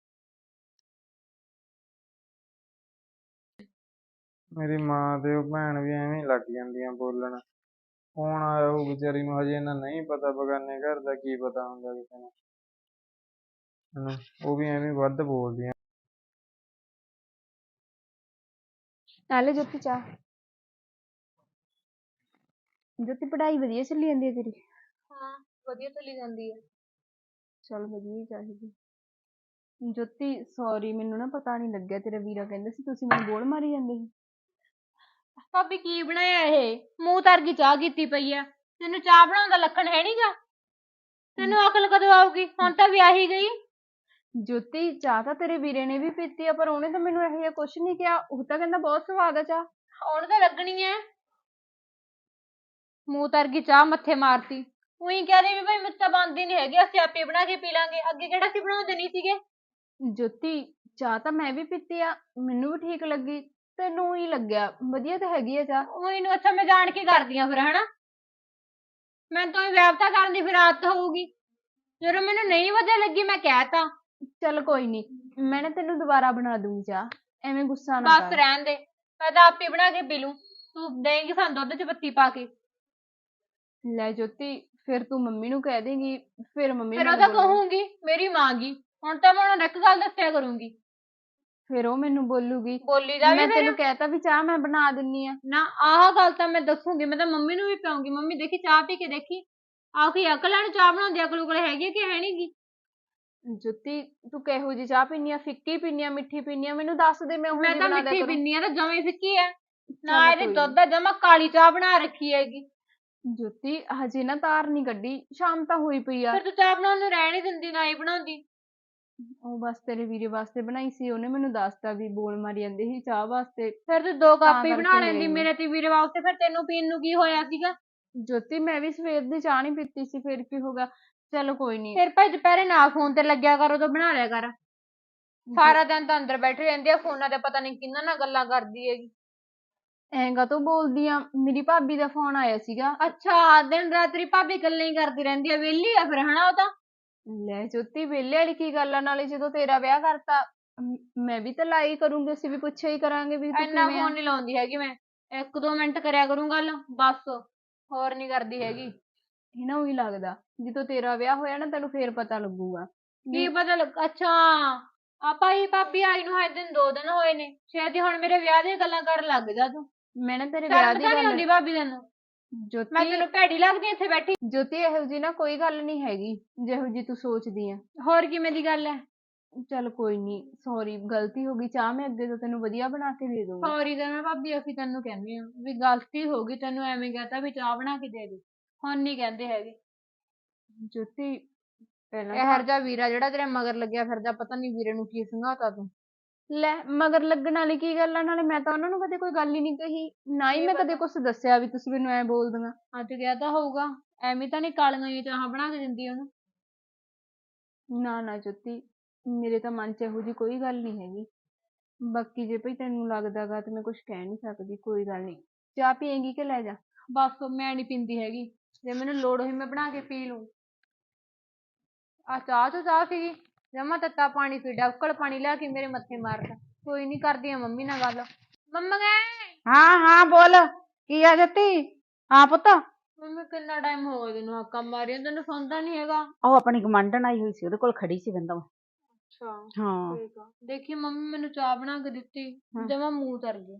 C: ਮੇਰੀ ਮਾਂ ਤੇ ਉਹ ਭੈਣ ਵੀ ਐਵੇਂ ਹੀ ਲੱਗ ਜਾਂਦੀਆਂ ਬੋਲਣ। ਫੋਨ ਆਇਆ ਉਹ ਵਿਚਾਰੀ ਨੂੰ, ਹਜੇ ਇਹਨਾਂ ਨਹੀਂ ਪਤਾ ਬਗਾਨੇ ਘਰ ਦਾ ਕੀ ਪਤਾ ਹੁੰਦਾ ਕਿਸੇ ਨੂੰ, ਹਨਾ, ਉਹ ਵੀ ਐਵੇਂ ਵੱਧ ਬੋਲਦੀਆਂ।
A: ਨਾਲੇ ਜੋਤੀ ਚਾਹ। ਜੋਤੀ ਪੜ੍ਹਾਈ ਵਧੀਆ ਚੱਲੀ ਜਾਂਦੀ ਹੈ ਤੇਰੀ? ਹਾਂ ਵਧੀਆ ਚੱਲੀ ਜਾਂਦੀ ਹੈ। ਚੱਲ ਵਧੀਆ ਹੀ ਚਾਹੀਦੀ। ਜੋਤੀ ਸੌਰੀ, ਮੈਨੂੰ ਨਾ ਪਤਾ ਨਹੀਂ ਲੱਗਿਆ, ਤੇਰਾ ਵੀਰਾ ਕਹਿੰਦਾ ਸੀ ਤੁਸੀਂ ਮੈਨੂੰ ਬੋਲ ਮਾਰੀ ਜਾਂਦੇ ਸੀ। ਭਾਬੀ ਕੀ ਬਣਾਇਆ ਇਹ, ਮੂੰਹ ਤਰ ਗਈ ਚਾਹ ਕੀਤੀ ਪਈ ਆ, ਤੈਨੂੰ ਚਾਹ ਬਣਾਉਣ ਦਾ ਲੱਖਣ ਹੈ ਨੀਗਾ, ਤੈਨੂੰ ਅਕਲ ਕਦੋਂ ਆਊਗੀ, ਹੁਣ ਤਾਂ ਵਿਆਹੀ ਗਈ। ਜੋਤੀ ਚਾਹ ਤਾਂ ਤੇਰੇ ਵੀਰੇ ਨੇ ਵੀ ਪੀਤੀ ਆ, ਪਰ ਉਹਨੇ ਤਾਂ ਮੈਨੂੰ ਇਹੋ ਜਿਹਾ ਕੁਛ ਨਹੀਂ ਕਿਹਾ, ਉਹ ਤਾਂ ਕਹਿੰਦਾ ਬਹੁਤ ਸਵਾਦ ਆ ਚਾਹ। ਉਹਨੂੰ ਤਾਂ ਲੱਗਣੀ ਐ, ਮੂੰਹ ਤਰ ਗਈ ਚਾਹ ਮੱਥੇ ਮਾਰਤੀ, ਉਹੀ ਕਹਦੇ ਵੀ ਭਾਈ ਮੇਰੇ ਤਾਂ ਬਣਦੀ ਨੀ ਹੈਗੀ, ਅਸੀਂ ਆਪੇ ਬਣਾ ਕੇ ਪੀ ਲਾਂਗੇ, ਅੱਗੇ ਕਿਹੜਾ ਸੀ ਬਣਾਉਂਦੇ ਨਹੀਂ ਸੀਗੇ। ਜੋਤੀ ਚਾਹ ਤਾਂ ਮੈਂ ਵੀ ਪੀਤੀ ਆ, ਮੈਨੂੰ ਵੀ ਠੀਕ ਲੱਗੀ, ਤੈਨੂੰ ਹੀ ਲੱਗਿਆ ਵਧੀਆ ਤਾਂ ਹੈਗੀ ਆ ਚਾਹ।
D: ਉਹੀ ਨੂੰ ਅੱਛਾ ਮੈਂ ਜਾਣ ਕੇ ਕਰਦੀ ਆ ਫਿਰ ਹਨਾ। ਮੈਂ ਤਾਂ ਵਿਆਪਤਾ ਕਰਨ ਦੀ ਫਿਰ ਆਦਤ ਹੋਊਗੀ। ਜਦੋਂ ਮੈਨੂੰ ਨਹੀਂ ਵਧੀਆ ਲੱਗੀ ਮੈਂ ਕਹਿਤਾ।
A: ਚੱਲ ਕੋਈ ਨੀ, ਮੈਂ ਨਾ ਤੈਨੂੰ ਦੁਬਾਰਾ ਬਣਾ ਦੂੰਗੀ ਚਾਹ, ਐਵੇਂ ਗੁੱਸਾ ਨਾ
D: ਬਸ
A: ਕਰ।
D: ਰਹਿਣ ਦੇ, ਮੈਂ ਤਾਂ ਆਪੇ ਬਣਾ ਕੇ ਪੀ ਲੂੰ। ਤੂੰ ਦੇਂਗੀ ਸਾਨੂੰ ਦੁੱਧ ਚ ਪੱਤੀ ਪਾ ਕੇ।
A: ਲੈ ਜੋਤੀ, ਫਿਰ ਤੂੰ ਮੰਮੀ ਨੂੰ ਕਹਿ ਦੇਂਗੀ, ਫਿਰ ਮੰਮੀ
D: ਫਿਰ ਉਹ
A: ਮੈਨੂੰ
D: ਤਾਂ
A: ਬੋਲੂਗੀ।
D: ਕਹੂੰਗੀ ਮੇਰੀ ਮਾਂ ਗੀ। ਹੁਣ ਤਾਂ ਮੈਂ ਉਹਨੂੰ ਇੱਕ ਗੱਲ ਦੱਸਿਆ ਕਰੂੰਗੀ।
A: ਫਿਰ ਉਹ ਮੈਨੂੰ ਬੋਲੂਗੀ
D: ਬੋਲੀ ਦਾ ਵੀ
A: ਮੈਂ
D: ਫਿਰ
A: ਤੈਨੂੰ ਕਹਿਤਾ ਵੀ ਚਾਹ ਮੈਂ ਬਣਾ ਦਿੰਨੀ ਆ।
D: ਨਾ ਆਹ ਗੱਲ ਤਾਂ ਮੈਂ ਦੱਸੂਗੀ। ਮੈਂ ਤਾਂ ਮੰਮੀ ਨੂੰ ਵੀ ਪਿਆਉਂਗੀ। ਮੰਮੀ ਦੇਖੀ ਚਾਹ ਪੀ ਕੇ ਦੇਖੀ ਆਖੀ ਅਕਲਾਂ ਨੂੰ ਚਾਹ ਬਣਾਉਂਦੀ ਅਕਲ ਉਕਲ ਹੈਗੀ ਕਿ ਹੈ ਨੀ ਗੀ।
A: ਜੋਤੀ ਤੂੰ ਕਿਹੋ ਜਿਹੀ ਚਾਹ ਪੀਨੀ ਆ, ਫਿੱਕੀ ਪੀਨੀ ਆ, ਮਿੱਠੀ ਪੀਨੀ ਆ, ਮੈਨੂੰ ਦੱਸ ਦੇ, ਮੈਂ ਉਹੋ
D: ਮੈਂ
A: ਜਿਹੀ
D: ਤਾਂ
A: ਬਣਾ ਦਿਆ
D: ਮਿੱਠੀ
A: ਕਰੂੰ।
D: ਪੀਨੀ ਆ ਤਾਂ ਜਮੇ ਫਿੱਕੀ ਐ। ਨਾ
A: ਚੱਲ
D: ਇਹਦੇ
A: ਕੋਈ
D: ਦੁੱਧ ਦਾ ਜਮਾ ਕਾਲੀ ਚਾਹ ਬਣਾ ਰੱਖੀ ਹੈਗੀ।
A: ਨੀ ਜੋਤੀ, ਹਜੇ ਨਾ ਤਾਰ ਨੀ ਕੱਢੀ, ਸ਼ਾਮ ਤਾਂ ਹੋਈ ਪਈ ਆ।
D: ਫਿਰ ਤੂੰ ਚਾਹ ਬਣਾਉਣ ਨੂੰ ਰਹਿਣ ਹੀ ਦਿੰਦੀ ਨਾ ਹੀ ਬਣਾਉਂਦੀ।
A: ਉਹ ਬਸ ਤੇਰੇ ਵੀਰੇ ਵਾਸਤੇ ਬਣਾਈ ਸੀ, ਉਹਨੇ ਮੈਨੂੰ ਦੱਸਤਾ ਵੀ ਬੋਲ ਮਾਰੀ ਜਾਂਦੇ ਸੀ ਚਾਹ ਵਾਸਤੇ,
D: ਫਿਰ ਤੂੰ 2
A: ਤਾਂ
D: ਕੱਪ ਹੀ ਬਣਾ
A: ਕਰਕੇ ਲੈ
D: ਲੈਂਦੀ
A: ਆਈ ਮੈਂ।
D: ਮੇਰੇ ਤੇ ਵੀਰੇ ਵਾਸਤੇ। ਫਿਰ ਤੈਨੂੰ ਪੀਣ ਨੂੰ ਕੀ ਹੋਇਆ ਸੀਗਾ।
A: ਜੋਤੀ ਮੈਂ ਵੀ ਸਵੇਰ ਦੀ ਚਾਹ ਨੀ ਪੀਤੀ ਸੀ, ਫਿਰ ਕੀ ਹੋ ਗਿਆ। ਚਲੋ ਕੋਈ ਨੀ।
D: ਫਿਰ ਭਾਈ ਦੁਪਹਿਰੇ ਨਾ ਫੋਨ ਤੇ ਲੱਗਿਆ ਕਰ, ਉਦੋਂ ਬਣਾ ਲਿਆ ਕਰ। ਸਾਰਾ ਦਿਨ ਤਾਂ ਅੰਦਰ ਬੈਠੀ ਰਹਿੰਦੀ ਆ ਫੋਨਾਂ ਤੇ, ਪਤਾ ਨੀ ਕਿਹਨਾਂ ਨਾਲ ਗੱਲਾਂ ਕਰਦੀ ਹੈਗੀ।
A: ਐਂ ਕਾਤੋਂ ਬੋਲਦੀ ਆ, ਮੇਰੀ ਭਾਬੀ ਦਾ ਫੋਨ ਆਇਆ ਸੀਗਾ।
D: ਅੱਛਾ ਦਿਨ ਰਾਤ ਤੇਰੀ ਭਾਬੀ ਗੱਲਾਂ ਹੀ ਕਰਦੀ ਰਹਿੰਦੀ ਆ, ਵਿਹਲੀ ਆ ਫਿਰ ਹਨਾ ਉਹ ਤਾਂ।
A: ਲੈ ਜੋਤੀ, ਵਿਹਲੇ ਵਾਲੀ ਕੀ ਗੱਲ ਆ, ਨਾਲੇ ਜਦੋਂ ਤੇਰਾ ਵਿਆਹ ਕਰਤਾ ਮੈਂ ਵੀ ਤਾਂ ਲਾਈ ਕਰੂੰਗੀ, ਅਸੀਂ ਵੀ ਪੁੱਛਿਆ ਹੀ ਕਰਾਂਗੇ ਵੀ ਤੂੰ
D: ਇੰਨਾ
A: ਕਿਵੇਂ ਆ।
D: ਫੋਨ ਨੀ ਲਾਉਂਦੀ ਹੈਗੀ ਮੈਂ, 1-2 ਮਿੰਟ ਕਰਿਆ ਕਰੂੰ ਗੱਲ ਬਸ, ਹੋਰ ਨੀ ਕਰਦੀ ਹੈਗੀ।
A: ਇਹਨਾਂ ਉਹੀ ਲੱਗਦਾ, ਜਦੋਂ ਤੇਰਾ ਵਿਆਹ ਹੋਇਆ ਨਾ ਤੈਨੂੰ ਫੇਰ ਪਤਾ ਲੱਗੂਗਾ
D: ਕੀ
A: ਵੀ
D: ਪਤਾ ਲੱਗ। ਅੱਛਾ ਆਪਾਂ ਹੀ ਭਾਬੀ ਆਈ ਨੂੰ ਹਜੇ 2 ਦਿਨ ਹੋਏ ਨੇ, ਛੇਤੀ ਹੁਣ ਮੇਰੇ ਵਿਆਹ ਦੀਆਂ ਗੱਲਾਂ ਕਰਨ ਲੱਗ ਜਾ ਤੂੰ।
A: ਮੈਂ ਨਾ ਤੇਰੇ ਵਿਆਹ
D: ਸ਼ਰਮ
A: ਦੀ
D: ਤਾਂ ਨੀ
A: ਗੱਲ।
D: ਆਉਂਦੀ ਭਾਬੀ ਤੈਨੂੰ। ਮੈਂ
A: ਜੋਤੀ
D: ਤੈਨੂੰ ਭੈੜੀ ਲੱਗਦੀ ਇੱਥੇ ਬੈਠੀ।
A: ਜੋਤੀ ਇਹੋ ਜੀ ਨਾ ਕੋਈ ਗੱਲ ਨਹੀਂ ਹੈਗੀ ਜਿਹੋ ਜੀ ਤੂੰ ਸੋਚਦੀ ਆ।
D: ਹੋਰ ਕਿਵੇਂ ਦੀ ਗੱਲ ਹੈ।
A: ਚੱਲ ਕੋਈ ਨੀ, ਸੌਰੀ ਗਲਤੀ ਹੋ ਗਈ, ਚਾਹ ਮੈਂ ਅੱਗੇ ਤੋਂ ਤੈਨੂੰ ਵਧੀਆ ਬਣਾ ਕੇ ਦੇ ਦੂੰਗੀ।
D: ਸੌਰੀ ਤਾਂ ਮੈਂ ਭਾਬੀ ਅਸੀਂ ਤੈਨੂੰ ਕਹਿੰਦੇ ਆ ਵੀ ਗਲਤੀ ਹੋ ਗਈ, ਤੈਨੂੰ ਐਵੇਂ ਕਹਤਾ ਵੀ ਚਾਹ ਬਣਾ ਕੇ ਦੇ ਦੇ, ਹੁਣ ਨੀ ਕਹਿੰਦੇ ਹੈਗੇ।
A: ਜੋਤੀ ਪਹਿਲਾਂ
D: ਇਹੋ
A: ਤਾਂ
D: ਜਿਹਾ ਵੀਰਾ ਜਿਹੜਾ ਤੇਰੇ ਮਗਰ ਲੱਗਿਆ ਫਿਰਦਾ, ਪਤਾ ਨੀ ਵੀਰੇ ਨੂੰ ਕੀ ਸੰਘਾਤਾ ਤੂੰ।
A: ਲੈ ਮਗਰ ਲੱਗਣ ਵਾਲੀ ਕੀ ਗੱਲ ਆ, ਨਾਲੇ ਮੈਂ ਤਾਂ ਉਹਨਾਂ ਨੂੰ ਕਦੇ ਕੋਈ ਗੱਲ ਹੀ ਨਹੀਂ ਕਹੀ, ਨਾ ਹੀ
D: ਕੀ
A: ਮੈਂ
D: ਪਤਾ।
A: ਕਦੇ ਕੁਛ ਦੱਸਿਆ ਵੀ ਤੁਸੀਂ ਮੈਨੂੰ ਐ ਬੋਲਦੀਆਂ।
D: ਅੱਜ ਗਿਆ ਤਾਂ ਹੋਊਗਾ, ਐਵੇਂ ਤਾਂ ਨੀ ਕਾਲੀਆਂ ਜਿਹੀਆਂ ਚਾਹਾਂ ਬਣਾ ਕੇ ਦਿੰਦੀ ਉਹਨੂੰ।
A: ਨਾ ਨਾ ਜੋਤੀ, ਮੇਰੇ ਤਾਂ ਮਨ ਚ ਇਹੋ ਜੀ ਕੋਈ ਗੱਲ ਨਹੀਂ ਹੈਗੀ। ਬਾਕੀ ਜੇ ਭਈ ਤੈਨੂੰ ਲੱਗਦਾਗਾ ਤੇ ਮੈਂ ਕੁਛ ਕਹਿ ਨਹੀਂ ਸਕਦੀ, ਕੋਈ ਗੱਲ ਨਹੀਂ। ਚਾਹ ਪੀਏਂਗੀ ਕਿ ਲੈ ਜਾ।
D: ਬਸ ਮੈਂ ਨੀ ਪੀਂਦੀ ਹੈਗੀ, ਜੇ ਮੈਨੂੰ ਲੋੜ ਹੋਈ ਮੈਂ ਬਣਾ ਕੇ ਪੀ ਲੂੰ। ਆ ਚਾਹ ਤੋਂ ਚਾਹ ਸੀਗੀ, ਜਮਾ ਤੱਤਾ ਪਾਣੀ ਪੀ ਡੱਬਕਲ ਪਾਣੀ ਲਿਆ ਕੇ ਮੇਰੇ ਮੱਥੇ ਮਾਰਦਾ। ਕੋਈ ਨੀ ਕਰਦੀ ਆ ਮੰਮੀ ਨਾਲ ਗੱਲ। ਮੰਮਾ ਗਏ।
B: ਹਾਂ ਹਾਂ ਬੋਲ, ਕੀ ਆ ਜੱਤੀ? ਹਾਂ ਪੁੱਤ,
D: ਮੰਮੀ ਕਿੰਨਾ ਟਾਈਮ ਹੋ ਗਿਆ ਤੈਨੂੰ ਹਾਕਾਂ ਮਾਰੀਆਂ, ਤੈਨੂੰ ਸੁਣਦਾ ਨੀ ਹੈਗਾ।
B: ਉਹ ਆਪਣੀ ਗਵਾਂਢਣ ਆਈ ਹੋਈ ਸੀ, ਉਹਦੇ ਕੋਲ ਖੜੀ ਸੀ ਬਿੰਦੋ।
D: ਅੱਛਾ
B: ਹਾਂ
D: ਠੀਕ ਆ। ਦੇਖੀ ਮੰਮੀ ਮੈਨੂੰ ਚਾਹ ਬਣਾ ਕੇ ਦਿੱਤੀ, ਜਮਾ ਮੂੰਹ ਤਰ ਗਿਆ।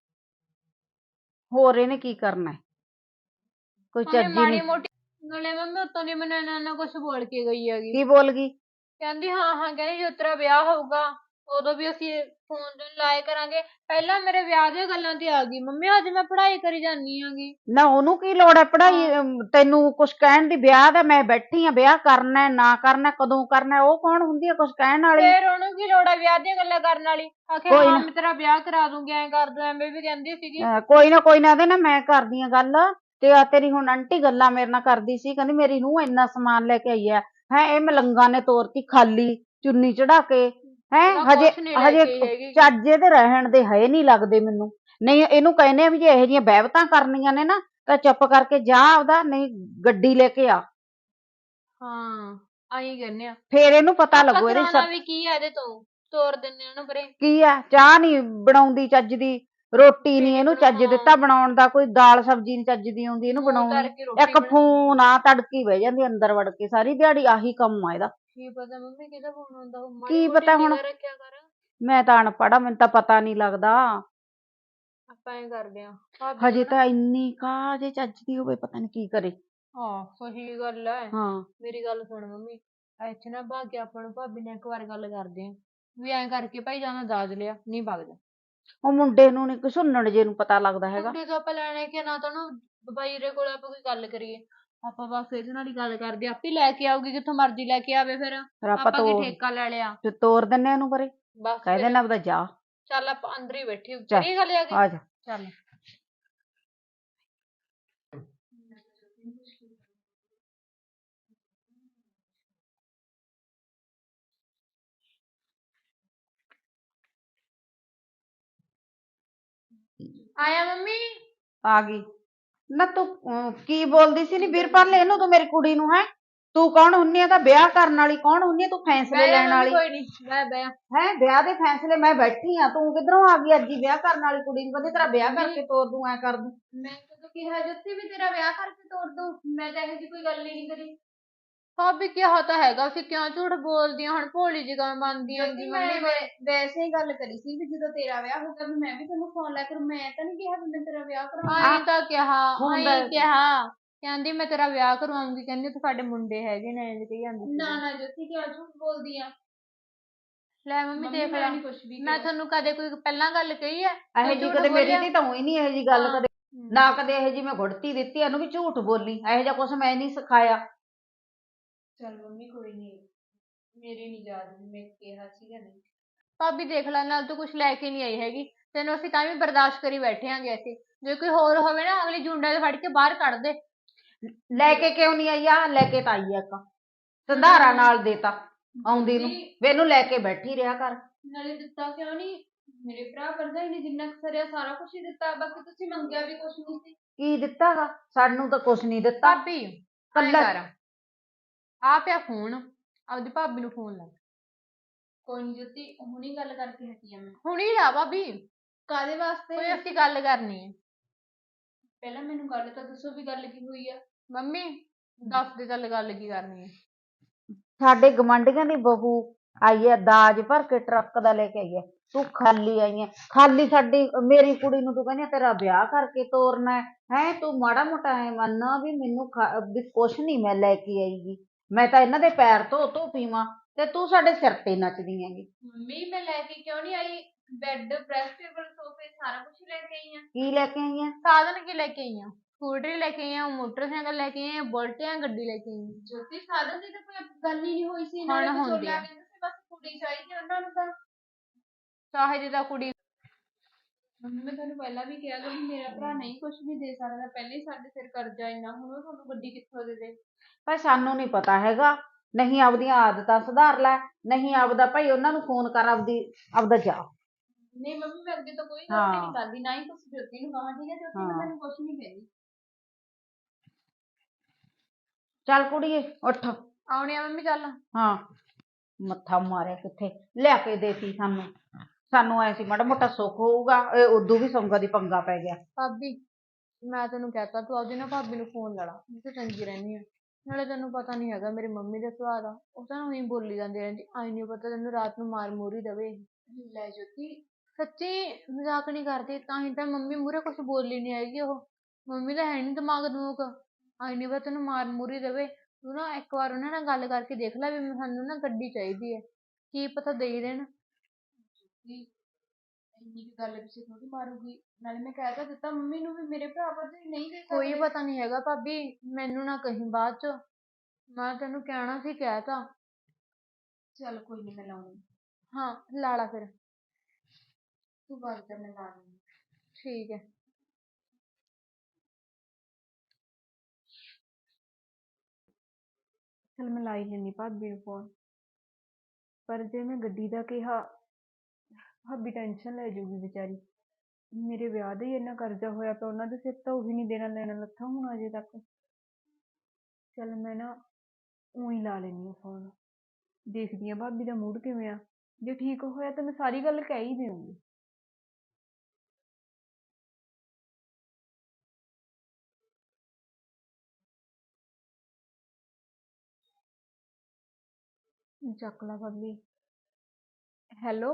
B: ਹੋਰ ਇਹਨੇ ਕੀ ਕਰਨਾ, ਕੋਈ
D: ਉਹਨੇ
B: ਚੱਜ ਹੀ
D: ਮਾੜੀ
B: ਨਹੀਂ।
D: ਮੋਟੀ ਨਾਲੇ ਮੰਮੀ ਉੱਤੋਂ ਦੀ ਮੈਨੂੰ ਇੰਨਾ ਕੁਛ ਬੋਲ ਕੇ ਗਈ ਹੈਗੀ।
B: ਕੀ ਬੋਲ ਗਈ?
D: ਕਹਿੰਦੀ ਹਾਂ ਹਾਂ, ਕਹਿੰਦੀ ਜਦੋਂ ਤੇਰਾ ਵਿਆਹ ਹੋਊਗਾ ਉਦੋਂ ਵੀ ਅਸੀਂ ਫੋਨ ਤੇ ਲਾਇਆ ਕਰਾਂਗੇ। ਪਹਿਲਾਂ ਮੇਰੇ ਵਿਆਹ ਦੀਆਂ ਗੱਲਾਂ ਤੇ ਆ ਗਈ। ਮੰਮੀ ਅੱਜ ਮੈਂ ਪੜ੍ਹਾਈ ਕਰੀ ਜਾਂਦੀ ਹੈਗੀ।
B: ਨਾ ਉਹਨੂੰ ਕੀ ਲੋੜ ਹੈ ਪੜ੍ਹਾਈ, ਤੈਨੂੰ ਕੁਛ ਕਹਿਣ ਦੀ? ਵਿਆਹ ਦਾ ਮੈਂ ਬੈਠੀ ਆ, ਵਿਆਹ ਕਰਨਾ ਨਾ ਕਰਨਾ, ਕਦੋਂ ਕਰਨਾ, ਉਹ ਕੌਣ ਹੁੰਦੀ ਆ ਕੁਛ ਕਹਿਣ ਵਾਲੀ?
D: ਫੇਰ ਉਹਨੂੰ ਕੀ ਲੋੜ ਹੈ ਵਿਆਹ ਦੀਆਂ ਗੱਲਾਂ ਕਰਨ ਵਾਲੀ? ਆਖੇ
B: ਕੋਈ
D: ਹਾਂ
B: ਨਾ
D: ਮੈਂ ਤੇਰਾ ਵਿਆਹ ਕਰਾ ਦੂੰਗੀ, ਐਂ ਕਰ ਦੂੰ, ਐਵੇਂ ਵੀ ਕਹਿੰਦੀ ਸੀਗੀ।
B: ਕੋਈ ਨਾ ਕੋਈ ਨਾ, ਉਹਦੇ ਨਾਲ ਮੈਂ ਕਰਦੀ ਆ ਗੱਲ। ਤੇ ਆ ਤੇਰੀ ਹੁਣ ਆਂਟੀ ਗੱਲਾਂ ਮੇਰੇ ਨਾਲ ਕਰਦੀ ਸੀ, ਕਹਿੰਦੀ ਮੇਰੀ ਨੂੰਹ ਇੰਨਾ ਸਮਾਨ ਲੈ ਕੇ ਆਈ ਹੈ ਇਹ ਮਲੰਗਾਂ ਨੇ ਤੋਰਤੀ ਖਾਲੀ, ਚੁੰਨੀ ਚੜਾ ਕੇ। ਹਜੇ
D: ਕੁਛ ਨੀ ਲੈ
B: ਹਜੇ
D: ਕੇ ਆਈ ਹੈਗੀ।
B: ਚੱਜੇ ਤੇ ਰਹਿਣ ਦੇ ਹੈ ਨਹੀਂ ਲੱਗਦੇ ਮੈਨੂੰ। ਨਹੀਂ ਇਹਨੂੰ ਕਹਿੰਦੇ ਆ ਵੀ ਜੇ ਇਹੋ ਜਿਹੀਆਂ ਬਹਿਬਤਾਂ ਕਰਨੀਆਂ ਨੇ ਨਾ ਤਾਂ ਚੁੱਪ ਕਰਕੇ ਜਾ ਆਪਦਾ, ਨਹੀਂ ਗੱਡੀ ਲੈ ਕੇ ਆ।
D: ਹਾਂ ਆਈ ਕਹਿੰਦੇ ਆ,
B: ਫੇਰ ਇਹਨੂੰ ਪਤਾ
D: ਆਪਾਂ
B: ਲੱਗੂ ਇਹਦੀ
D: ਕਰਾਉਣਾ ਵੀ ਕੀ ਆ ਇਹਦੇ ਤੋਂ, ਤੋਰ ਦਿੰਨੇ ਆ ਉਹਨੂੰ ਪਰੇ।
B: ਕੀ ਆ, ਚਾਹ ਨਹੀਂ ਬਣਾਉਂਦੀ ਚੱਜ ਦੀ, ਰੋਟੀ ਨਹੀਂ ਇਹਨੂੰ ਚੱਜ ਦਿੱਤਾ ਬਣਾਉਣ ਦਾ, ਕੋਈ ਦਾਲ ਸਬਜ਼ੀ ਨੀ ਚੱਜ ਦੀ ਆਉਂਦੀ ਇਹਨੂੰ
D: ਮੂੰਹ
B: ਬਣਾਉਣੀ।
D: ਧਰ ਕੇ ਰੋਟੀ
B: ਇੱਕ ਫੋਨ ਆ, ਤੜਕੀ ਬਹਿ ਜਾਂਦੀ ਅੰਦਰ ਵੜ ਕੇ, ਸਾਰੀ ਦਿਹਾੜੀ ਆਹੀ ਕੰਮ ਆ ਇਹਦਾ।
D: ਕੀ ਪਤਾ ਮੰਮੀ ਕਿਹਦਾ ਫੋਨ ਆਉਂਦਾ, ਮਾੜੀ
B: ਕੀ
D: ਮੋਟੀ
B: ਪਤਾ ਹੁਣ,
D: ਨਿਗਾਹ ਰੱਖਿਆ ਕਰ।
B: ਮੈਂ ਤਾਂ ਅਨਪੜ੍ਹ ਆ, ਮੈਨੂੰ ਤਾਂ ਪਤਾ ਨਹੀਂ ਲੱਗਦਾ।
D: ਆਪਾਂ ਐਂ ਕਰਦੇ ਆ ਭਾਬੀ
B: ਹਜੇ
D: ਨੂੰ ਨਾ।
B: ਤਾਂ ਇੰਨੀ ਕਾ ਜੇ ਚੱਜ ਦੀ ਹੋਵੇ, ਪਤਾ ਨਹੀਂ ਕੀ ਕਰੇ।
D: ਹਾਂ ਸਹੀ ਗੱਲ ਐ।
B: ਹਾਂ
D: ਮੇਰੀ ਗੱਲ ਸੁਣ ਮੰਮੀ, ਇੱਥੇ ਨਾ ਭਾਗ ਕੇ ਆਪਾਂ ਨੂੰ ਭਾਬੀ ਨੇ ਇੱਕ ਵਾਰ ਗੱਲ ਕਰਦੇ ਆ ਵੀ ਐਂ ਕਰਕੇ ਭਾਈ ਜਾਂ ਦਾਜ ਲਿਆ ਨਹੀਂ ਵਗ ਜਾ।
B: ਉਹ ਮੁੰਡੇ ਨੂੰ ਨੀ ਘਸੁੰਨਣ ਜੇ ਨੂੰ ਪਤਾ ਲੱਗਦਾ ਹੈਗਾ।
D: ਮੁੰਡੇ ਤੋਂ ਆਪਾਂ ਲੈਣੇ ਕਿ ਨਾ, ਤਾਂ ਉਹਨੂੰ ਬਾਈਰੇ ਕੋਲ ਆਪਾਂ ਕੋਈ ਗੱਲ ਕਰੀਏ। ਆਪਾਂ ਬਸ ਇਹਦੇ ਨਾਲ ਹੀ ਗੱਲ ਕਰਦੇ, ਆਪੇ ਲੈ ਕੇ ਆਊਗੀ ਜਿੱਥੋਂ ਮਰਜ਼ੀ ਲੈ ਕੇ ਆਵੇ। ਫਿਰ
B: ਫਿਰ ਆਪਾਂ
D: ਆਪਾਂ ਕੀ ਠੇਕਾ ਲੈ ਲਿਆ।
B: ਤੇ ਤੋਰ ਦਿੰਨੇ ਉਹਨੂੰ ਪਰੇ,
D: ਬਸ
B: ਕਹਿ
D: ਫਿਰ
B: ਦੇਣਾ ਆਪਦਾ ਜਾ।
D: ਚੱਲ ਆਪਾਂ ਅੰਦਰ ਹੀ ਬੈਠੀ
B: ਚੱਲ
D: ਕਰੀਏ ਗੱਲ ਆ ਕੇ।
B: ਆ ਜਾ।
D: ਚੱਲ ਆਇਆ ਮੰਮੀ?
B: ਆ ਗਈ ਨਾ ਤੂੰ ਕੀ ਬੋਲਦੀ ਸੀ ਨੀ ਵੀਰਪਾਲ ਇਹਨੂੰ ਤੂੰ ਮੇਰੀ ਕੁੜੀ ਨੂੰ ਹੈ ਤੂੰ ਕੌਣ ਹੁੰਨੀ ਆ ਤਾਂ ਵਿਆਹ ਕਰਨ ਵਾਲੀ ਕੌਣ ਹੁੰਨੀ ਆ ਤੂੰ ਫੈਸਲੇ
D: ਬਹਿ ਜਾ
B: ਲੈਣ
D: ਮੰਮੀ,
B: ਵਾਲੀ
D: ਕੋਈ ਨੀ, ਬਹਿ
B: ਹੈ ਵਿਆਹ ਦੇ ਫੈਸਲੇ ਮੈਂ ਬੈਠੀ ਆ ਤੂੰ ਕਿੱਧਰੋਂ ਆ ਗਈ ਅੱਜ ਹੀ ਵਿਆਹ ਕਰਨ ਵਾਲੀ ਕੁੜੀ ਨੂੰ ਕਹਿੰਦੇ ਤੇਰਾ ਵਿਆਹ ਕਰਕੇ ਤੋਰ ਦੂੰ ਐ ਕਰ ਦੂੰ
D: ਮੈਂ ਕਦੋਂ ਕਿਹਾ ਜੋਤੀ ਵੀ ਤੇਰਾ ਵਿਆਹ ਕਰਕੇ ਤੋਰ ਦੂੰ? ਮੈਂ ਤਾਂ ਇਹੋ ਜਿਹੀ ਕੋਈ ਗੱਲ ਹੀ ਨਹੀਂ ਕਰੀ। ਭਾਬੀ ਕਿਹਾ ਤਾਂ ਹੈਗਾ ਸੀ, ਕਿਉਂ ਝੂਠ ਬੋਲਦੀ ਆ ਹੁਣ? ਭੋਲੀ ਜਿਹੀ ਕਿਉਂ ਬਣਦੀ ਆਂਗੀ ਮੰਮੀ?
A: ਮੈਂ ਵੈਸੇ ਹੀ ਗੱਲ ਕਰੀ ਸੀ ਵੀ ਜਦੋਂ ਤੇਰਾ ਵਿਆਹ ਹੋਊਗਾ ਵੀ ਮੈਂ ਵੀ ਤੈਨੂੰ ਫੋਨ ਲਾ ਕਰ, ਮੈਂ ਤਾਂ ਨਹੀਂ ਕਿਹਾ ਵੀ ਮੈਂ ਤੇਰਾ ਵਿਆਹ ਕਰਾਉਂਗੀ।
D: ਆਈ ਤਾਂ ਕਿਹਾ,
B: ਹੁੰਦਾ
D: ਆਈ ਕਿਹਾ, ਕਹਿੰਦੀ ਮੈਂ ਤੇਰਾ ਵਿਆਹ ਕਰਵਾਉਂਗੀ, ਕਹਿੰਦੀ ਉੱਥੇ ਸਾਡੇ ਮੁੰਡੇ ਹੈਗੇ ਨੇ, ਇੰਝ ਕਹੀ ਜਾਂਦੀ ਸੀ।
A: ਨਾ ਜੋਤੀ ਕਿਉਂ ਝੂਠ ਬੋਲਦੀ ਆ?
D: ਲੈ ਮੰਮੀ ਦੇਖ
A: ਮੈਂ
D: ਲੈ,
A: ਨਹੀਂ ਕੁਛ ਵੀ
D: ਮੈਂ ਤੁਹਾਨੂੰ ਕਦੇ ਕੋਈ ਪਹਿਲਾਂ ਗੱਲ ਕਹੀ ਐ
B: ਇਹੋ ਜੀ ਕਦੇ ਮੇਰੀ ਧੀ ਤਾਂ ਹੋਈ ਨਹੀਂ ਇਹੋ ਜੀ ਗੱਲ ਕਦੇ ਨਾ ਕਦੇ ਇਹੋ ਜੀ ਮੈਂ ਗੁੜਤੀ ਦਿੱਤੀ ਇਹਨੂੰ ਵੀ ਝੂਠ ਬੋਲੀ ਇਹੋ ਜਿਹਾ ਕੁਛ ਮੈਂ ਨਹੀਂ ਸਿਖਾਇਆ
A: ਚੱਲ ਮੰਮੀ ਕੋਈ ਨਹੀਂ, ਮੇਰੇ ਨਹੀਂ ਯਾਦ ਵੀ ਮੈਂ ਕਿਹਾ ਸੀਗਾ ਨਹੀਂ।
D: ਭਾਬੀ ਦੇਖ ਲੈ, ਨਾਲ ਤੂੰ ਕੁਛ ਲੈ ਕੇ ਨਹੀਂ ਆਈ ਹੈਗੀ, ਤੈਨੂੰ ਅਸੀਂ ਤਾਂ ਵੀ ਬਰਦਾਸ਼ਤ ਕਰੀ ਬੈਠੇ ਆਂਗੇ ਅਸੀਂ। ਜੇ ਕੋਈ ਹੋਰ ਹੋਵੇ ਨਾ ਅਗਲੀ ਜੁੰਡੇ ਦੇ ਫੜ ਕੇ ਬਾਹਰ ਕੱਢ ਦੇ।
B: ਲੈ ਕੇ ਕਿਉਂ ਨਹੀਂ ਆਈ ਆ ਲੈ ਕੇ ਤਾਂ ਆਈ ਆ ਇੱਕ ਸੰਧਾਰਾ ਨਾਲ ਦੇਤਾ ਆਉਂਦੀ ਨੂੰ ਵੀ ਇਹਨੂੰ ਲੈ ਕੇ ਬੈਠੀ ਰਿਹਾ ਕਰ
A: ਨਾਲੇ ਦਿੱਤਾ ਕਿਉਂ ਨਹੀਂ? ਮੇਰੇ ਭਰਾ ਭਰਜਾਈ ਨੇ ਜਿੰਨਾ ਕੁ ਸਰਿਆ ਸਾਰਾ ਕੁਝ ਹੀ ਦਿੱਤਾ, ਬਾਕੀ ਤੁਸੀਂ ਮੰਗਿਆ ਵੀ ਕੁਛ ਨਹੀਂ ਸੀ।
B: ਕੀ ਦਿੱਤਾ ਗਾ ਸਾਨੂੰ ਤਾਂ ਕੁਛ ਨਹੀਂ ਦਿੱਤਾ
D: ਭਾਬੀ ਐਂ
B: ਕੱਲਾ
D: ਕਰ, ਆ ਪਿਆ ਫੋਨ, ਆਪਦੀ ਭਾਬੀ ਨੂੰ ਫੋਨ ਲਾ।
A: ਕੋਈ ਨਹੀਂ ਜੋਤੀ, ਹੁਣੀ ਗੱਲ ਕਰਕੇ ਹਟੀ ਆ ਮੈਂ।
D: ਹੁਣੀ ਲਾ ਭਾਬੀ,
A: ਕਾਦੇ ਵਾਸਤੇ?
D: ਕੋਈ ਅਸੀਂ ਗੱਲ ਕਰਨੀ ਹੈ।
A: ਪਹਿਲਾਂ ਮੈਨੂੰ ਗੱਲ ਤਾਂ ਦੱਸੋ ਵੀ ਗੱਲ ਕੀ ਹੋਈ ਆ।
D: ਮੰਮੀ ਦੱਸ ਦੇ ਚੱਲ ਗੱਲ ਕੀ ਕਰਨੀ ਹੈ।
B: ਸਾਡੇ ਗਵਾਂਢੀਆਂ ਦੀ ਬਹੂ ਆਈ ਹੈ ਦਾਜ ਭਰ ਕੇ ਟਰੱਕ ਦਾ ਲੈ ਕੇ ਆਈ ਹੈ ਤੂੰ ਖਾਲੀ ਆਈ ਹੈ ਖਾਲੀ ਸਾਡੀ ਮੇਰੀ ਕੁੜੀ ਨੂੰ ਤੂੰ ਕਹਿੰਦੀ ਤੇਰਾ ਵਿਆਹ ਕਰਕੇ ਤੋਰਨਾ ਹੈ ਤੂੰ ਮਾੜਾ ਮੋਟਾ ਐ ਮੰਨਣਾ ਵੀ ਮੈਨੂੰ ਵੀ ਕੁਛ ਨਹੀਂ ਮੈਂ ਲੈ ਕੇ ਆਈਗੀ ਮੈਂ ਤਾਂ ਇਹਨਾਂ ਦੇ ਪੈਰ ਧੋ ਪੀਵਾਂ ਤੇ ਤੂੰ ਸਾਡੇ ਸਿਰ ਤੇ ਨੱਚਦੀ ਹੈਗੀ
A: ਮੰਮੀ ਮੈਂ ਲੈ ਕੇ ਕਿਉਂ ਨਹੀਂ ਆਈ? ਬੈੱਡ, ਪ੍ਰੈਸ ਟੇਬਲ, ਸੋਫੇ ਸਾਰਾ ਕੁਝ ਲੈ ਕੇ ਆਈ ਆ।
B: ਕੀ ਲੈ ਕੇ ਆਈ ਹੈ
D: ਸਾਧਨ ਕੀ ਲੈ ਕੇ ਆਈ ਆ? ਸਕੂਟਰੀ ਲੈ ਕੇ ਆਈ ਆ, ਮੋਟਰਸਾਈਕਲ ਲੈ ਕੇ ਆਈ ਆ, ਬੁਲਟ ਜਾਂ ਗੱਡੀ ਲੈ ਕੇ ਆਈ ਆ?
A: ਜੋਤੀ ਸਾਧਨ ਦੀ ਤਾਂ ਕੋਈ ਗੱਲ ਹੀ ਨਹੀਂ ਹੋਈ ਸੀ।
D: ਹੁਣ
A: ਨਾਲੇ
D: ਹੁੰਦੀ
A: ਵਿਚੋਲਾ
D: ਆ।
A: ਕਹਿੰਦੇ ਸੀ ਬਸ ਕੁੜੀ ਚਾਹੀਦੀ ਆ ਉਹਨਾਂ ਨੂੰ ਤਾਂ।
D: ਚਾਹੇ ਜਿਹਦਾ ਕੁੜੀ।
A: ਮੰਮੀ ਮੈਂ ਤੁਹਾਨੂੰ ਪਹਿਲਾਂ ਵੀ ਕਿਹਾ ਕਿ ਮੇਰਾ ਭਰਾ ਨਹੀਂ ਕੁਝ ਵੀ ਦੇ ਸਕਦਾ, ਪਹਿਲੇ ਹੀ ਸਾਡੇ ਸਿਰ ਕਰਜ਼ਾ ਇੰਨਾ, ਹੁਣ ਉਹ ਤੁਹਾਨੂੰ ਗੱਡੀ ਕਿੱਥੋਂ ਦੇ ਦੇ?
B: ਭਾਈ ਸਾਨੂੰ ਨਹੀਂ ਪਤਾ ਹੈਗਾ ਨਹੀਂ ਆਪਦੀਆਂ ਆਦਤਾਂ ਸੁਧਾਰ ਲੈ ਨਹੀਂ ਆਪਦਾ ਭਾਈ ਉਹਨਾਂ ਨੂੰ ਫੋਨ ਕਰ ਆਪਦਾ ਜਾ
A: ਨਹੀਂ ਮੰਮੀ ਮੈਂ ਅੱਗੇ ਤੋਂ ਕੋਈ ਗਲਤੀ ਨਹੀਂ ਕਰਦੀ, ਨਾ ਹੀ ਤੁਸੀਂ ਜੋਤੀ ਨੂੰ ਕਹਾਂ, ਠੀਕ ਹੈ? ਜੋਤੀ ਮੈਂ ਤੈਨੂੰ ਕੁਝ ਨਹੀਂ ਕਹਿੰਦੀ।
B: ਚੱਲ ਕੁੜੀਏ ਉੱਠ
D: ਆਉਣੀ ਆ ਮੰਮੀ, ਚੱਲ।
B: ਹਾਂ ਮੱਥਾ ਮਾਰਿਆ ਕਿੱਥੇ ਲਿਆ ਕੇ ਦੇਤੀ ਸਾਨੂੰ ਐ ਸੀ ਮਾੜਾ ਮੋਟਾ ਸੁੱਖ ਹੋਊਗਾ ਇਹ ਉਦੋਂ ਵੀ ਸੰਗਾ ਦੀ ਪੰਗਾ ਪੈ ਗਿਆ
D: ਭਾਬੀ ਮੈਂ ਤੈਨੂੰ ਕਹਿਤਾ ਤੂੰ ਆਪਦੀ ਨਾ ਭਾਬੀ ਨੂੰ ਫੋਨ ਲਾ ਲਾ, ਮੈਂ ਤਾਂ ਚੰਗੀ ਰਹਿੰਦੀ ਆ। ਨਾਲੇ ਤੈਨੂੰ ਪਤਾ ਨਹੀਂ ਹੈਗਾ ਮੇਰੀ ਮੰਮੀ ਦਾ ਸੁਭਾਅ ਦਾ, ਉਹ ਤਾਂ ਉਹੀ ਬੋਲੀ ਜਾਂਦੀ ਰਹਿੰਦੀ, ਆਈ ਨਹੀਂ ਪਤਾ ਤੈਨੂੰ ਰਾਤ ਨੂੰ ਮਾਰ ਮੂਰ ਹੀ ਦੇਵੇ।
A: ਲੈ ਜੋਤੀ
D: ਸੱਚੀ ਮਜ਼ਾਕ ਨਹੀਂ ਕਰਦੀ, ਤਾਂ ਹੀ ਤਾਂ ਮੰਮੀ ਮੂਹਰੇ ਕੁਛ ਬੋਲੀ ਨਹੀਂ ਹੈਗੀ ਉਹ। ਮੰਮੀ ਦਾ ਹੈ ਨਹੀਂ ਦਿਮਾਗ ਦਮੂਗ, ਆਈ ਨਹੀਂ ਪਤਾ ਤੈਨੂੰ ਮਾਰ ਮੂਰ ਹੀ ਦੇਵੇ। ਤੂੰ ਨਾ ਇੱਕ ਵਾਰ ਉਹਨਾਂ ਨਾਲ ਗੱਲ ਕਰਕੇ ਦੇਖ ਲੈ ਵੀ ਸਾਨੂੰ ਨਾ ਗੱਡੀ ਚਾਹੀਦੀ ਹੈ, ਕੀ ਪਤਾ ਦੇ ਹੀ ਦੇਣ।
A: ਜੋਤੀ ਇੰਨੀ ਕੁ ਗੱਲ ਪਿੱਛੇ ਥੋੜੀ ਮਾਰੂਗੀ, ਨਾਲੇ ਮੈਂ ਕਹਿ ਤਾਂ ਦਿੱਤਾ ਮੰਮੀ ਨੂੰ ਵੀ ਮੇਰੇ ਭਰਾ ਭਰਜਾਈ ਨਹੀਂ ਦੇ
D: ਕੋਈ
A: ਸਕਦੇ।
D: ਪਤਾ ਨਹੀਂ ਹੈਗਾ ਭਾਬੀ, ਮੈਨੂੰ ਨਾ ਕਹੀਂ ਬਾਅਦ ਚ, ਮੈਂ ਤੈਨੂੰ ਕਹਿਣਾ ਸੀ ਕਹਿ ਤਾ।
A: ਚੱਲ ਕੋਈ ਨਹੀਂ ਮੈਂ ਲਾਉਂਗੀ।
D: ਹਾਂ ਲਾ ਲਾ ਫਿਰ।
A: ਤੂੰ ਬਾਅਦ ਚ ਮੈਂ ਲਾ ਲੂੰਗੀ।
D: ਠੀਕ ਹੈ।
A: ਚਲ ਮੈਂ ਲਾਈ ਲੈਂਦੀ ਭਾਬੀ ਨੂੰ ਫੋਨ, ਪਰ ਜੇ ਮੈਂ ਗੱਡੀ ਦਾ ਕਿਹਾ ਭਾਬੀ ਟੈਨਸ਼ਨ ਲੈ ਜੂਗੀ ਵਿਚਾਰੀ। ਮੇਰੇ ਵਿਆਹ ਦਾ ਹੀ ਇੰਨਾ ਕਰਜ਼ਾ ਹੋਇਆ ਪਿਆ ਉਹਨਾਂ ਦੇ ਸਿਰ, ਤਾਂ ਉਹੀ ਨਹੀਂ ਦੇਣਾ ਲੈਣਾ ਲੱਥਾ ਹੁਣ ਅਜੇ ਤੱਕ। ਚੱਲ ਮੈਂ ਨਾ ਊਂ ਲਾ ਲੈਂਦੀ ਹਾਂ ਫੋਨ, ਦੇਖਦੀ ਹਾਂ ਭਾਬੀ ਦਾ ਮੂਡ ਕਿਵੇਂ ਆ, ਜੇ ਠੀਕ ਹੋਇਆ ਤਾਂ ਮੈਂ ਸਾਰੀ ਗੱਲ ਕਹਿ ਹੀ ਦੇਵਾਂਗੀ। ਚੱਕ ਲਾ ਭਾਬੀ। ਹੈਲੋ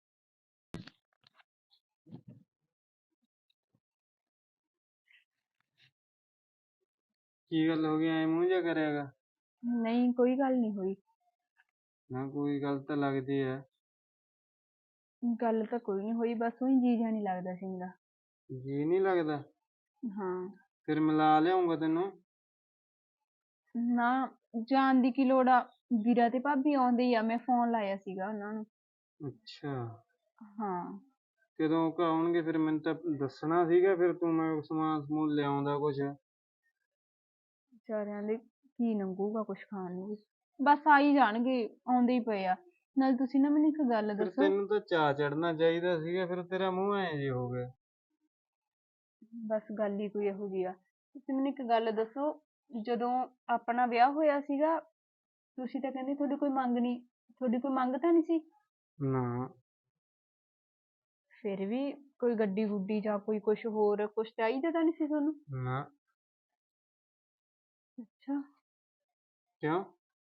C: ਕੀ ਗੱਲ ਹੋ ਗਈ ਐ ਮੂੰਹ ਜਿਹਾ ਕਰਿਆਗਾ
A: ਨਹੀਂ ਕੋਈ ਗੱਲ ਨਹੀਂ ਹੋਈ।
C: ਨਾ ਕੋਈ ਗੱਲ ਤਾਂ ਲੱਗਦੀ ਐ
A: ਗੱਲ ਤਾਂ ਕੋਈ ਨਹੀਂ ਹੋਈ, ਬਸ ਉਹੀ ਜੀ ਜਿਹਾ ਨਹੀਂ ਲੱਗਦਾ ਸੀ ਮੇਰਾ।
C: ਜੀ ਨਹੀਂ ਲੱਗਦਾ
A: ਹਾਂ
C: ਫਿਰ ਮਿਲਾ ਲਿਆਉਂਗਾ ਤੈਨੂੰ
A: ਨਾ ਜਾਣ ਦੀ ਕੀ ਲੋੜ ਆ, ਵੀਰਾ ਤੇ ਭਾਬੀ ਆਉਂਦੇ ਹੀ ਆ, ਮੈਂ ਫੋਨ ਲਾਇਆ ਸੀਗਾ ਉਹਨਾਂ ਨੂੰ।
C: ਅੱਛਾ
A: ਹਾਂ
C: ਕਦੋਂ ਕੁ ਆਉਣਗੇ ਫਿਰ ਮੈਨੂੰ ਤਾਂ ਦੱਸਣਾ ਸੀਗਾ, ਫਿਰ ਤੂੰ ਮੈਂ ਸਮਾਨ ਸਮੂਨ ਲਿਆਉਂਦਾ ਕੁਛ
A: ਵਿਚਾਰਿਆਂ ਦੇ ਕੀ ਲੰਘੂਗਾ ਕੁਛ ਖਾਣ ਨੂੰ ਵੀ, ਬਸ ਆ ਹੀ ਜਾਣਗੇ, ਆਉਂਦੇ ਹੀ ਪਏ ਆ। ਨਾਲ ਤੁਸੀਂ ਨਾ ਮੈਨੂੰ ਇੱਕ ਗੱਲ
C: ਫਿਰ
A: ਦੱਸੋ।
C: ਤੈਨੂੰ ਤਾਂ ਚਾਅ ਚੜਨਾ ਚਾਹੀਦਾ ਸੀਗਾ, ਫਿਰ ਤੇਰਾ ਮੂੰਹ ਐਂ ਜੇ ਹੋ ਗਿਆ
A: ਬਸ ਗੱਲ ਹੀ ਕੋਈ ਇਹੋ ਜਿਹੀ ਆ। ਤੁਸੀਂ ਮੈਨੂੰ ਇੱਕ ਗੱਲ ਦੱਸੋ, ਜਦੋਂ ਆਪਣਾ ਵਿਆਹ ਹੋਇਆ ਸੀਗਾ, ਤੁਸੀਂ ਤਾਂ ਕਹਿੰਦੇ ਤੁਹਾਡੀ ਕੋਈ ਮੰਗ ਨਹੀਂ, ਤੁਹਾਡੀ ਕੋਈ ਮੰਗ ਤਾਂ ਨਹੀਂ ਸੀ?
C: ਨਾ।
A: ਫਿਰ ਵੀ ਕੋਈ ਗੱਡੀ ਗੁੱਡੀ ਜਾਂ ਕੋਈ ਕੁਛ ਹੋਰ ਕੁਛ ਚਾਹੀਦਾ ਤਾਂ ਨਹੀਂ ਸੀ ਤੁਹਾਨੂੰ?
C: ਨਾ।
A: ਅੱਛਾ।
C: ਕਿਉਂ?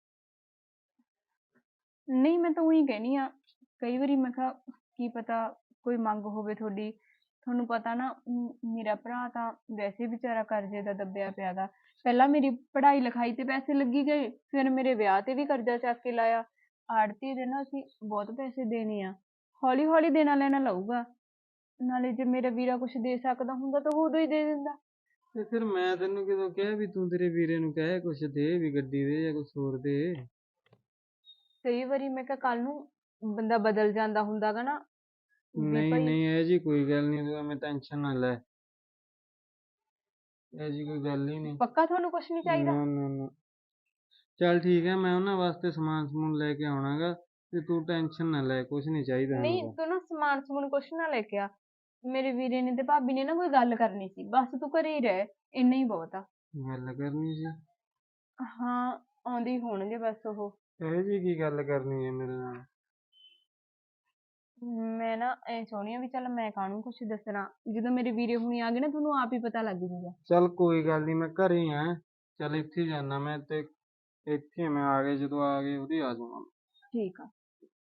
A: ਨਹੀਂ, ਮੈਂ ਤਾਂ ਉਹੀ ਕਹਿਨੀ ਆ, ਕਈ ਵਾਰੀ ਮੈਂ ਕਿਹਾ ਕੀ ਪਤਾ ਕੋਈ ਮੰਗ ਹੋਵੇ ਤੁਹਾਡੀ। ਤੁਹਾਨੂੰ ਪਤਾ ਨਾ, ਮੇਰਾ ਭਰਾ ਤਾਂ ਵੈਸੇ ਵਿਚਾਰਾ ਕਰਜ਼ੇ ਦਾ ਦੱਬਿਆ ਪਿਆ ਗਾ। ਪਹਿਲਾਂ ਮੇਰੀ ਪੜ੍ਹਾਈ ਲਿਖਾਈ ਤੇ ਪੈਸੇ ਲੱਗੀ ਗਏ, ਫਿਰ ਮੇਰੇ ਵਿਆਹ ਤੇ ਵੀ ਕਰਜ਼ਾ ਚੱਕ ਕੇ ਲਾਇਆ। ਆੜ੍ਹਤੀਏ ਦੇ ਨਾ ਅਸੀਂ ਬਹੁਤ ਪੈਸੇ ਦੇਣੇ ਆ, ਹੌਲੀ ਹੌਲੀ ਦੇਣਾ ਲੈਣਾ ਲਊਗਾ। ਨਾਲੇ ਜੇ ਮੇਰਾ ਵੀਰਾ ਕੁਛ ਦੇ ਸਕਦਾ ਹੁੰਦਾ ਤਾਂ ਉਹ ਉਦੋਂ ਹੀ ਦੇ ਦਿੰਦਾ।
C: ਤੇ ਫਿਰ ਮੈਂ ਤੈਨੂੰ ਕਦੋਂ ਕਿਹਾ ਵੀ ਤੂੰ ਤੇਰੇ ਵੀਰੇ ਨੂੰ ਕਹਿ ਕੁਛ ਦੇ, ਵੀ ਗੱਡੀ ਦੇ ਜਾਂ ਕੁਛ ਹੋਰ ਦੇ।
A: ਕਈ ਵਾਰੀ ਮੈਂ ਕਿਹਾ ਕੱਲ ਨੂੰ ਬੰਦਾ ਬਦਲ ਜਾਂਦਾ ਹੁੰਦਾ ਗਾ ਨਾ, ਵੀ
C: ਨਹੀਂ
A: ਭਾਈ
C: ਨਹੀਂ, ਇਹ ਜੀ ਕੋਈ ਗੱਲ ਨਹੀਂ, ਤੂੰ ਐਵੇਂ ਟੈਨਸ਼ਨ ਨਾ ਲੈ। ਇਹ ਜੀ ਕੋਈ ਗੱਲ ਹੀ ਨਹੀਂ।
A: ਪੱਕਾ ਤੁਹਾਨੂੰ ਕੁਛ ਨਹੀਂ ਚਾਹੀਦਾ?
C: ਨਾ ਨਾ ਨਾ। ਚੱਲ ਠੀਕ ਹੈ, ਮੈਂ ਉਹਨਾਂ ਵਾਸਤੇ ਸਮਾਨ ਸਮੂਨ ਲੈ ਕੇ ਆਉਣਾਗਾ, ਤੇ ਤੂੰ ਟੈਨਸ਼ਨ ਨਾ ਲੈ, ਕੁਛ ਨਹੀਂ ਚਾਹੀਦਾ
A: ਨਹੀਂ,
C: ਹੈਗਾ।
A: ਤੂੰ ਨਾ ਸਮਾਨ ਸਮੂਨ ਕੁਛ ਨਾ ਲੈ ਕੇ ਆ। ਮੇਰੇ ਵੀਰੇ ਨੇ ਤੇ ਭਾਬੀ ਨੇ ਨਾ ਕੋਈ ਗੱਲ ਕਰਨੀ ਸੀ, ਬਸ ਤੂੰ ਘਰੇ ਹੀ ਰਹਿ, ਇੰਨਾ ਹੀ ਬਹੁਤ ਆ।
C: ਗੱਲ ਕਰਨੀ ਸੀ?
A: ਹਾਂ, ਆਉਂਦੇ ਹੀ ਹੋਣਗੇ ਬਸ ਉਹ।
C: ਇਹ ਜੀ ਕੀ ਗੱਲ ਕਰਨੀ ਹੈ ਮੇਰੇ ਨਾਲ?
A: ਮੈਂ ਨਾ ਐ ਚਾਹੁੰਦੀ ਆ ਵੀ ਚੱਲ ਮੈਂ ਕਾਹਨੂੰ ਕੁਛ ਦੱਸਣਾ, ਜਦੋਂ ਮੇਰੇ ਵੀਰੇ ਹੁਣੀ ਆ ਗਏ ਨਾ ਤੁਹਾਨੂੰ ਆਪ ਹੀ ਪਤਾ ਲੱਗ ਜੂਗਾ।
C: ਚੱਲ ਕੋਈ ਗੱਲ ਨਹੀਂ, ਮੈਂ ਘਰੇ ਹੀ ਆ। ਚੱਲ ਇੱਥੇ ਹੀ ਜਾਨਾ ਮੈਂ, ਤੇ ਇੱਥੇ ਮੈਂ ਆ ਗਏ, ਜਦੋਂ ਆ ਗਏ ਉਹਦੀ ਆ ਜਾਊਂਗਾ।
A: ਠੀਕ ਆ।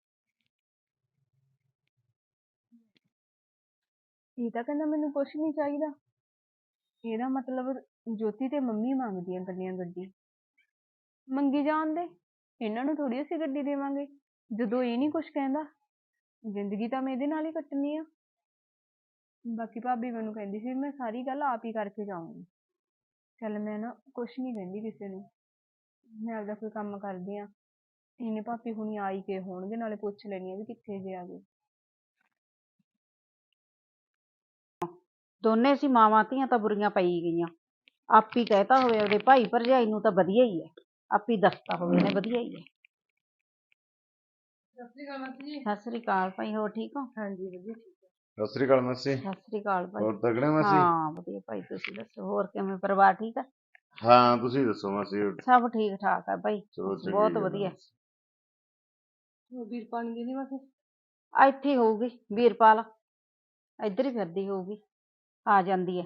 A: ਇਹ ਤਾਂ ਕਹਿੰਦਾ ਮੈਨੂੰ ਕੁਛ ਨਹੀਂ ਚਾਹੀਦਾ, ਇਹਦਾ ਮਤਲਬ ਜੋਤੀ ਤੇ ਮੰਮੀ ਮੰਗਦੀਆਂ ਗੱਡੀਆਂ ਗੱਡੀ। ਮੰਗੀ ਜਾਣ ਦੇ, ਇਹਨਾਂ ਨੂੰ ਥੋੜੀ ਅਸੀਂ ਗੱਡੀ ਦੇਵਾਂਗੇ। ਜਦੋਂ ਇਹ ਨਹੀਂ ਕੁਛ ਕਹਿੰਦਾ, ਜ਼ਿੰਦਗੀ ਤਾਂ ਮੈਂ ਇਹਦੇ ਨਾਲ ਹੀ ਕੱਟਣੀ ਆ। ਬਾਕੀ ਭਾਬੀ ਮੈਨੂੰ ਕਹਿੰਦੀ ਸੀ ਮੈਂ ਸਾਰੀ ਗੱਲ ਆਪ ਹੀ ਕਰਕੇ ਜਾਊਂਗੀ। ਚੱਲ ਮੈਂ ਨਾ ਕੁਛ ਨਹੀਂ ਕਹਿੰਦੀ ਕਿਸੇ ਨੂੰ, ਮੈਂ ਆਪਦਾ ਕੋਈ ਕੰਮ ਕਰਦੀ ਆ। ਇਹਨੇ ਭਾਬੀ ਹੁਣੀ ਆ ਹੀ ਗਏ ਹੋਣਗੇ, ਨਾਲੇ ਪੁੱਛ ਲੈਣੀ ਆ ਵੀ ਕਿੱਥੇ ਜੇ ਆ ਗਏ।
B: ਦੋਨੇ ਸੀ ਮਾਵਾਂ ਧੀਆਂ ਤਾਂ ਬੁਰੀਆਂ ਪਈ ਗਈਆਂ। ਆਪੀ ਕਹਿਤਾ ਹੋਵੇ ਉਹਦੇ ਭਾਈ ਭਰਜਾਈ ਨੂੰ ਤਾਂ ਵਧੀਆ ਹੀ ਹੈ, ਆਪੀ ਦੱਸਤਾ ਹੋਵੇ ਨੇ ਵਧੀਆ ਹੀ ਹੈ। ਸਤਿ ਸ੍ਰੀ ਅਕਾਲ ਭਾਈ, ਹੋਰ ਠੀਕ ਹੋ?
A: ਹਾਂਜੀ ਵਧੀਆ।
E: ਸਤਿ ਸ੍ਰੀ ਅਕਾਲ ਮਾਸੀ।
B: ਸਤਿ ਸ੍ਰੀ ਅਕਾਲ ਭਾਈ।
E: ਹੋਰ ਤਗੜੇ ਮਾਸੀ?
B: ਹਾਂ ਵਧੀਆ ਭਾਈ, ਤੁਸੀਂ ਦੱਸੋ ਹੋਰ ਕਿਵੇਂ, ਪਰਿਵਾਰ ਠੀਕ ਆ?
E: ਹਾਂ ਤੁਸੀਂ ਦੱਸੋ ਮਾਸੀ।
B: ਸਭ ਠੀਕ ਠਾਕ ਆ ਭਾਈ,
E: ਚਲੋ ਚੰਗੀ
B: ਬਹੁਤ
E: ਗੱਲ ਆ
B: ਵਧੀਆ।
E: ਮਾਸੀ।
A: ਵੀਰਪਾਲ ਦੀ ਮਾਸੀ
B: ਇੱਥੇ ਹੀ ਹੋਊਗੀ ਵੀਰਪਾਲ, ਇੱਧਰ ਹੀ ਫਿਰਦੀ ਹੋਊਗੀ, ਆ ਜਾਂਦੀ ਹੈ।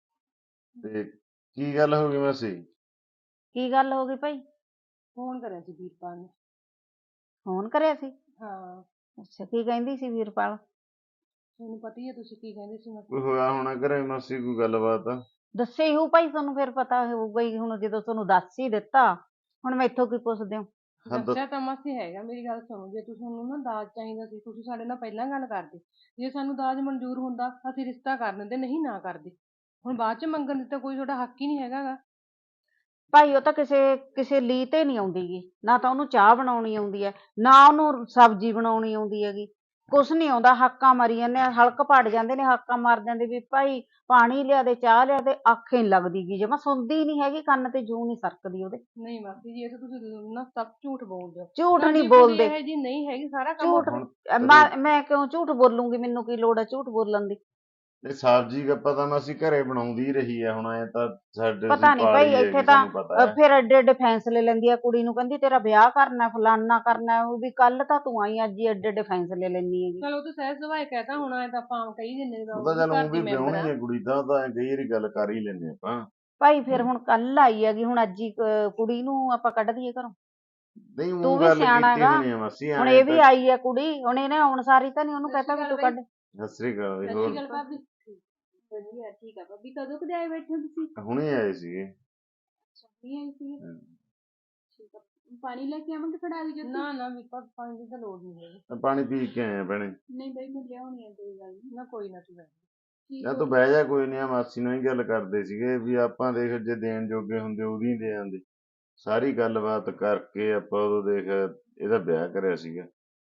E: ਤੇ ਕੀ ਗੱਲ ਹੋ ਗਈ ਮਾਸੀ?
B: ਕੀ ਗੱਲ ਹੋ ਗਈ ਭਾਈ?
A: ਫੋਨ ਕਰਿਆ ਸੀ ਵੀਰਪਾਲ ਨੇ।
B: ਫੋਨ ਕਰਿਆ ਸੀ?
A: ਹਾਂ।
B: ਅੱਛਾ, ਕੀ ਕਹਿੰਦੀ ਸੀ ਵੀਰਪਾਲ?
A: ਤੁਹਾਨੂੰ ਪਤਾ ਹੀ ਹੈ, ਤੁਸੀਂ ਕੀ ਕਹਿੰਦੇ ਸੀ।
E: ਕੋਈ ਹੋਇਆ ਹੋਣਾ ਘਰੇ ਮਾਸੀ, ਕੋਈ ਗੱਲਬਾਤ?
B: ਦੱਸੇ ਹੀ ਹੋਊ ਭਾਈ, ਤੁਹਾਨੂੰ ਫਿਰ ਪਤਾ ਹੋਊਗਾ ਹੀ ਹੁਣ, ਜਦੋਂ ਤੁਹਾਨੂੰ ਦੱਸ ਹੀ ਦਿੱਤਾ, ਹੁਣ ਮੈਥੋਂ ਕੀ ਪੁੱਛਦੇ ਹੋ?
A: ਦੱਸਿਆ ਤਾਂ ਮਾਸੀ ਹੈਗਾ, ਮੇਰੀ ਗੱਲ ਸੁਣੋ, ਜੇ ਤੁਹਾਨੂੰ ਨਾ ਦਾਜ ਚਾਹੀਦਾ ਸੀ ਤੁਸੀਂ ਸਾਡੇ ਨਾਲ ਪਹਿਲਾਂ ਗੱਲ ਕਰਦੇ। ਜੇ ਸਾਨੂੰ ਦਾਜ ਮਨਜ਼ੂਰ ਹੁੰਦਾ ਅਸੀਂ ਰਿਸ਼ਤਾ ਕਰ ਦਿੰਦੇ, ਨਹੀਂ ਨਾ ਕਰਦੇ। ਹੁਣ ਬਾਅਦ ਚ ਮੰਗਣ ਦੀ ਤਾਂ ਕੋਈ ਤੁਹਾਡਾ ਹੱਕ ਹੀ ਨਹੀਂ ਹੈਗਾ ਗਾ।
B: ਭਾਈ ਉਹ ਤਾਂ ਕਿਸੇ ਲੀ ਤੇ ਨਹੀਂ ਆਉਂਦੀ ਗੀ, ਨਾ ਤਾਂ ਉਹਨੂੰ ਚਾਹ ਬਣਾਉਣੀ ਆਉਂਦੀ ਹੈ, ਨਾ ਉਹਨੂੰ ਸਬਜ਼ੀ ਬਣਾਉਣੀ ਆਉਂਦੀ ਹੈਗੀ, ਕੁਛ ਨਹੀਂ ਆਉਂਦਾ। ਹਾਕਾਂ ਮਾਰੀ ਜਾਂਦੇ ਆ, ਹਲਕ ਪੜ ਜਾਂਦੇ ਨੇ, ਹਾਕਾਂ ਮਾਰ ਜਾਂਦੇ ਵੀ ਭਾਈ ਪਾਣੀ ਲਿਆ ਦੇ, ਚਾਹ ਲਿਆ ਦੇ, ਅੱਖ ਹੀ ਨੀ ਲੱਗਦੀ ਗੀ, ਜਮਾ ਸੁਣਦੀ ਨਹੀਂ ਹੈਗੀ, ਕੰਨ ਤੇ ਜੂੰ ਨਹੀਂ ਸਰਕਦੀ ਉਹਦੇ।
A: ਨਹੀਂ ਮਾਸੀ ਜੀ, ਇਹ ਤਾਂ ਤੁਸੀਂ ਨਾ ਸਭ ਝੂਠ ਬੋਲਦੇ ਹੋ।
B: ਝੂਠ
A: ਨਾ
B: ਨਹੀਂ
A: ਜੀ ਕੁੜੀ
B: ਬੋਲਦੇ,
A: ਇਹੋ ਜਿਹੀ ਨਹੀਂ ਹੈਗੀ, ਸਾਰਾ ਕੰਮ
B: ਝੂਠ
E: ਹੁਣ
B: ਮੈਂ ਕਿਉਂ ਝੂਠ ਬੋਲੂੰਗੀ, ਮੈਨੂੰ ਕੀ ਲੋੜ ਹੈ ਝੂਠ ਬੋਲਣ ਦੀ?
E: ਇਹ ਸਬਜ਼ੀ ਗੱਪਾ ਤਾਂ ਮਾਸੀ ਘਰੇ ਬਣਾਉਂਦੀ ਹੀ ਰਹੀ ਹੈ, ਹੁਣ ਐ ਤਾਂ ਸਾਡੇ ਅਸੀਂ
B: ਪਤਾ ਨਹੀਂ ਭਾਈ,
E: ਪਾਲੀ
B: ਇੱਥੇ
E: ਹੈਗੀ,
B: ਤਾਂ
E: ਸਾਨੂੰ ਪਤਾ ਹੈ।
B: ਫਿਰ ਐਡੇ ਐਡੇ ਫੈਸਲੇ ਲੈਂਦੀ ਆ, ਕੁੜੀ ਨੂੰ ਕਹਿੰਦੀ ਤੇਰਾ ਵਿਆਹ ਕਰਨਾ, ਫਲਾਨਾ ਕਰਨਾ, ਉਹ ਵੀ ਕੱਲ ਤਾਂ ਤੂੰ ਆਈ, ਅੱਜ ਹੀ ਐਡੇ ਐਡੇ ਫੈਸਲੇ ਲੈਂਦੀ ਹੈਗੀ।
A: ਚਲੋ ਤੂੰ ਸਹਿਜ ਸੁਭਾਅ ਕਹਿਤਾ ਹੋਣਾ, ਤਾਂ ਆਪਾਂ ਕਹੀ ਦਿੰਦੇ
E: ਉਹ ਤਾਂ ਚੱਲ
A: ਘਰ
E: ਉਹ
A: ਦੀ
E: ਵੀ
A: ਮੈਂਬਰ
E: ਵਿਆਹੁਣੀ
A: ਆ।
E: ਹੈ ਕੁੜੀ ਤਾਂ ਕਈ ਵਾਰੀ ਗੱਲ ਕਰ ਹੀ ਲੈਂਦੇ ਆਪਾਂ।
B: ਭਾਈ ਫਿਰ ਹੁਣ ਕੱਲ ਆਈ ਹੈਗੀ, ਹੁਣ ਅੱਜ ਹੀ ਕੁੜੀ ਨੂੰ ਆਪਾਂ ਕੱਢ ਦਈਏ ਘਰੋਂ?
E: ਨਹੀਂ
B: ਤੂੰ
E: ਉਹ
B: ਵੀ
E: ਗੱਲ
B: ਸਿਆਣਾ
E: ਕੀਤੀ
B: ਹੈਗਾ,
E: ਹੋਣੀ ਆ ਮਾਸੀ,
B: ਹੁਣ
E: ਐ
B: ਇਹ ਵੀ
E: ਤਾਂ।
B: ਆਈ ਹੈ ਕੁੜੀ, ਹੁਣ ਇਹਨੇ ਆਉਣ ਸਾਰੀ ਤਾਂ ਨਹੀਂ ਉਹਨੂੰ ਕਹਤਾ ਵੀ ਤੂੰ ਕੱਢ।
E: ਸਤਿ ਸ੍ਰੀ ਅਕਾਲ ਵੀ।
A: ਸਤਿ
E: ਹੋਰ
A: ਸ਼੍ਰੀ ਅਕਾਲ ਭਾਬੀ। ਵਧੀਆ ਠੀਕ ਆ ਭਾਬੀ, ਕਦੋਂ ਕਦੇ ਆਏ ਬੈਠੇ ਹੋ ਤੁਸੀਂ?
E: ਹੁਣੇ ਆਏ ਸੀਗੇ।
A: ਨਹੀਂ ਆਈ ਸੀ। ਠੀਕ ਆ, ਪਾਣੀ ਲੈ ਕੇ ਆਵਾਂਗੇ ਫੜਾ ਦੀ? ਨਾ ਨਾ ਵੀਰਪਾਲ, ਪਾਣੀ ਦੀ ਤਾਂ ਲੋੜ ਨਹੀਂ ਹੈਗੀ।
E: ਮੈਂ ਪਾਣੀ ਪੀ ਕੇ ਆਇਆ ਭੈਣੇ।
A: ਨਹੀਂ ਬਈ ਮੈਂ ਲਿਆਉਣੀ ਆ, ਕੋਈ ਗੱਲ ਨਹੀਂ। ਨਾ ਕੋਈ ਨਾ, ਤੂੰ ਬੈਠ।
E: ਜਾਂ ਤੂੰ ਬਹਿ ਜਾ, ਕੋਈ ਨਹੀਂ। ਆ ਮਾਸੀ ਨਾਲ ਹੀ ਗੱਲ ਕਰਦੇ ਸੀਗੇ ਵੀ ਆਪਾਂ ਦੇਖ ਜੇ ਦੇਣ ਜੋਗੇ ਹੁੰਦੇ ਉਹਦੀ ਦੇ ਆਂਦੇ। ਸਾਰੀ ਗੱਲਬਾਤ ਕਰਕੇ ਆਪਾਂ ਉਦੋਂ ਦੇਖ ਇਹਦਾ ਵਿਆਹ ਕਰਿਆ ਸੀਗਾ।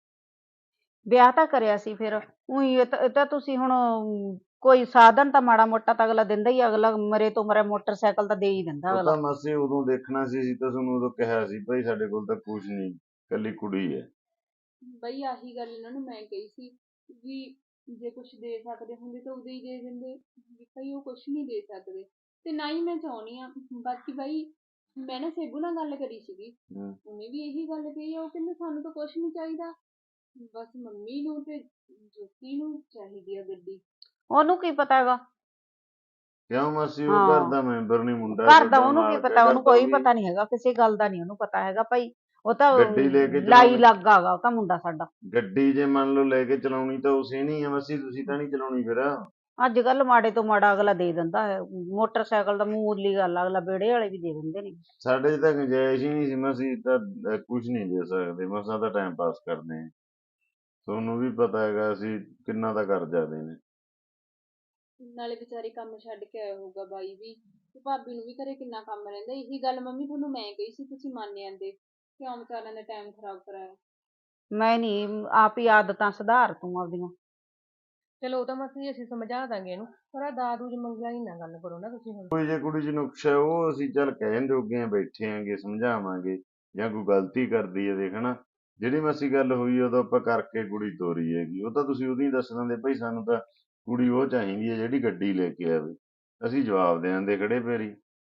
B: ਵਿਆਹ ਤਾਂ ਕਰਿਆ ਸੀ, ਫਿਰ ਉਹੀ ਇਹ ਤਾਂ ਤੁਸੀਂ ਹੁਣ ਕੋਈ ਸਾਧਨ ਤਾਂ ਮਾੜਾ ਮੋਟਾ ਤਾਂ ਅਗਲਾ ਦਿੰਦਾ ਹੀ, ਅਗਲਾ ਮਰੇ ਤੋਂ ਮਰੇ ਮੋਟਰਸਾਈਕਲ ਤਾਂ ਦੇ ਹੀ ਦਿੰਦਾ
E: ਉਹ
B: ਅਗਲਾ।
E: ਤਾਂ ਮਾਸੀ ਉਦੋਂ ਦੇਖਣਾ ਸੀ, ਅਸੀਂ ਤਾਂ ਤੁਹਾਨੂੰ ਉਦੋਂ ਕਿਹਾ ਸੀ ਭਾਈ ਸਾਡੇ ਕੋਲ ਤਾਂ ਕੁਝ ਨਹੀਂ, ਇਕੱਲੀ ਕੁੜੀ ਹੈ।
A: ਬਈ ਆਹੀ ਗੱਲ ਇਹਨਾਂ ਨੂੰ ਮੈਂ ਕਹੀ ਸੀ ਵੀ ਜੇ ਕੁਝ ਦੇ ਸਕਦੇ ਹੁੰਦੇ ਤਾਂ ਉਦੋਂ ਹੀ ਦੇ ਦਿੰਦੇ, ਵੀ ਭਾਈ ਉਹ ਕੁਝ ਨਹੀਂ ਦੇ ਸਕਦੇ ਤੇ ਨਾ ਹੀ ਮੈਂ ਚਾਹੁੰਦੀ ਆ। ਬਾਕੀ ਬਾਈ ਮੈਂ ਨਾ ਸੇਬੂ ਨਾਲ ਗੱਲ ਕਰੀ ਸੀਗੀ, ਉਹਨੇ ਵੀ ਇਹੀ ਗੱਲ ਕਹੀ ਆ। ਉਹ ਕਹਿੰਦੇ ਸਾਨੂੰ ਤਾਂ ਕੁਝ ਨਹੀਂ ਚਾਹੀਦਾ, ਬਸ ਮੰਮੀ ਨੂੰ ਤੇ ਜੋਤੀ ਨੂੰ ਚਾਹੀਦੀ ਆ ਗੱਡੀ।
B: ਉਹਨੂੰ ਕੀ ਪਤਾ ਹੈਗਾ?
E: ਕਿਉਂ ਮਾਸੀ, ਉਹ
B: ਹਾਂ।
E: ਘਰ ਦਾ ਮੈਂਬਰ ਨਹੀਂ, ਮੁੰਡਾ
B: ਘਰ ਦਾ
E: ਤੁਹਾਡਾ
B: ਉਹਨੂੰ ਕੀ
E: ਮਾਲਕ
B: ਪਤਾ,
E: ਹੈਗਾ,
B: ਉਹਨੂੰ ਕੋਈ
E: ਤਾਂ
B: ਪਤਾ ਨਹੀਂ ਹੈਗਾ, ਕਿਸੇ ਗੱਲ ਦਾ ਨਹੀਂ ਉਹਨੂੰ ਪਤਾ ਹੈਗਾ ਭਾਈ। ਉਹ ਤਾਂ
E: ਗੱਡੀ ਲੈ ਕੇ
B: ਲਾਈ
E: ਚਲਾਉਣੀ।
B: ਲੱਗਾ ਹੈਗਾ ਉਹ ਤਾਂ ਮੁੰਡਾ ਸਾਡਾ।
E: ਗੱਡੀ ਜੇ ਮੰਨ ਲਓ ਲੈ ਕੇ ਚਲਾਉਣੀ ਤਾਂ ਉਸੇ ਨਹੀਂ ਆ ਮਾਸੀ, ਤੁਸੀਂ ਤਾਂ ਨਹੀਂ ਚਲਾਉਣੀ ਫਿਰ।
B: ਅੱਜ ਕੱਲ ਮਾੜੇ ਤੋਂ ਮਾੜਾ ਅਗਲਾ ਦੇ ਦਿੰਦਾ ਹੈ, ਮੋਟਰਸਾਈਕਲ ਦਾ ਮੂਲੀ ਗੱਲ ਆ, ਅਗਲਾ ਵਿਹੜੇ ਵਾਲੇ ਵੀ ਦੇ ਦਿੰਦੇ ਨੇ।
E: ਸਾਡੇ 'ਚ ਤਾਂ ਗੁੰਜਾਇਸ਼ ਹੀ ਨਹੀਂ ਸੀ ਮਾਸੀ, ਤਾਂ ਕੁਝ ਨਹੀਂ ਦੇ ਸਕਦੇ, ਮਸਾਂ ਤਾਂ ਟਾਈਮ ਪਾਸ ਕਰਦੇ ਆ। ਤੁਹਾਨੂੰ ਵੀ ਪਤਾ ਹੈਗਾ ਅਸੀਂ ਕਿੰਨਾ ਦਾ ਕਰਜ਼ਾ ਦੇਣੇ।
A: ਨਾਲੇ ਵਿਚਾਰੇ ਕੰਮ ਛੱਡ ਕੇ ਆਇਆ ਹੋਊਗਾ ਬਾਈ ਵੀ, ਤੇ ਭਾਬੀ ਨੂੰ ਵੀ ਘਰੇ ਕਿੰਨਾ ਕੰਮ ਰਹਿੰਦਾ। ਇਹੀ ਗੱਲ ਮੰਮੀ ਤੁਹਾਨੂੰ ਮੈਂ ਕਹੀ ਸੀ, ਤੁਸੀਂ ਮੰਨ ਜਾਂਦੇ, ਕਿਉਂ ਵਿਚਾਰਿਆਂ ਦਾ ਟਾਈਮ ਖਰਾਬ ਕਰਾਇਆ।
B: ਮੈਂ ਨਹੀਂ, ਆਪ ਹੀ ਆਦਤਾਂ ਸੁਧਾਰ ਤੂੰ ਆਪਦੀਆਂ।
D: ਚਲੋ ਉਹ ਤਾਂ ਮਾਸੀ ਅਸੀਂ ਸਮਝਾ ਦਾਂਗੇ ਇਹਨੂੰ, ਪਰ ਆਹ ਦਾਰੂ ਮੰਗਿਆ ਹੀ ਨਾ ਗੱਲ ਕਰੋ ਨਾ ਤੁਸੀਂ ਹੁਣ।
E: ਕੋਈ ਜੇ ਕੁੜੀ 'ਚ ਨੁਕਸ ਹੈ ਉਹ ਅਸੀਂ ਚੱਲ ਕਹਿਣ ਜੋਗੇ ਆ, ਬੈਠੇ ਆਂਗੇ, ਸਮਝਾਵਾਂਗੇ। ਜਾਂ ਕੋਈ ਗਲਤੀ ਕਰਦੀ ਹੈ ਦੇਖਣਾ, ਜਿਹੜੀ ਮਾਸੀ ਗੱਲ ਹੋਈ ਉਦੋਂ ਆਪਾਂ ਕਰਕੇ ਕੁੜੀ ਤੋਰੀ ਹੈਗੀ, ਉਹ ਤਾਂ ਤੁਸੀਂ ਉਦੋਂ ਹੀ ਦੱਸ ਦਿੰਦੇ ਭਾਈ ਸਾਨੂੰ ਤਾਂ ਕੁੜੀ ਉਹ ਚਾਹੀਦੀ ਹੈ ਜਿਹੜੀ ਗੱਡੀ ਲੈ ਕੇ ਆਵੇ, ਅਸੀਂ ਜਵਾਬ ਦੇ ਦਿੰਦੇ ਖੜੇ ਪੈਰੀ।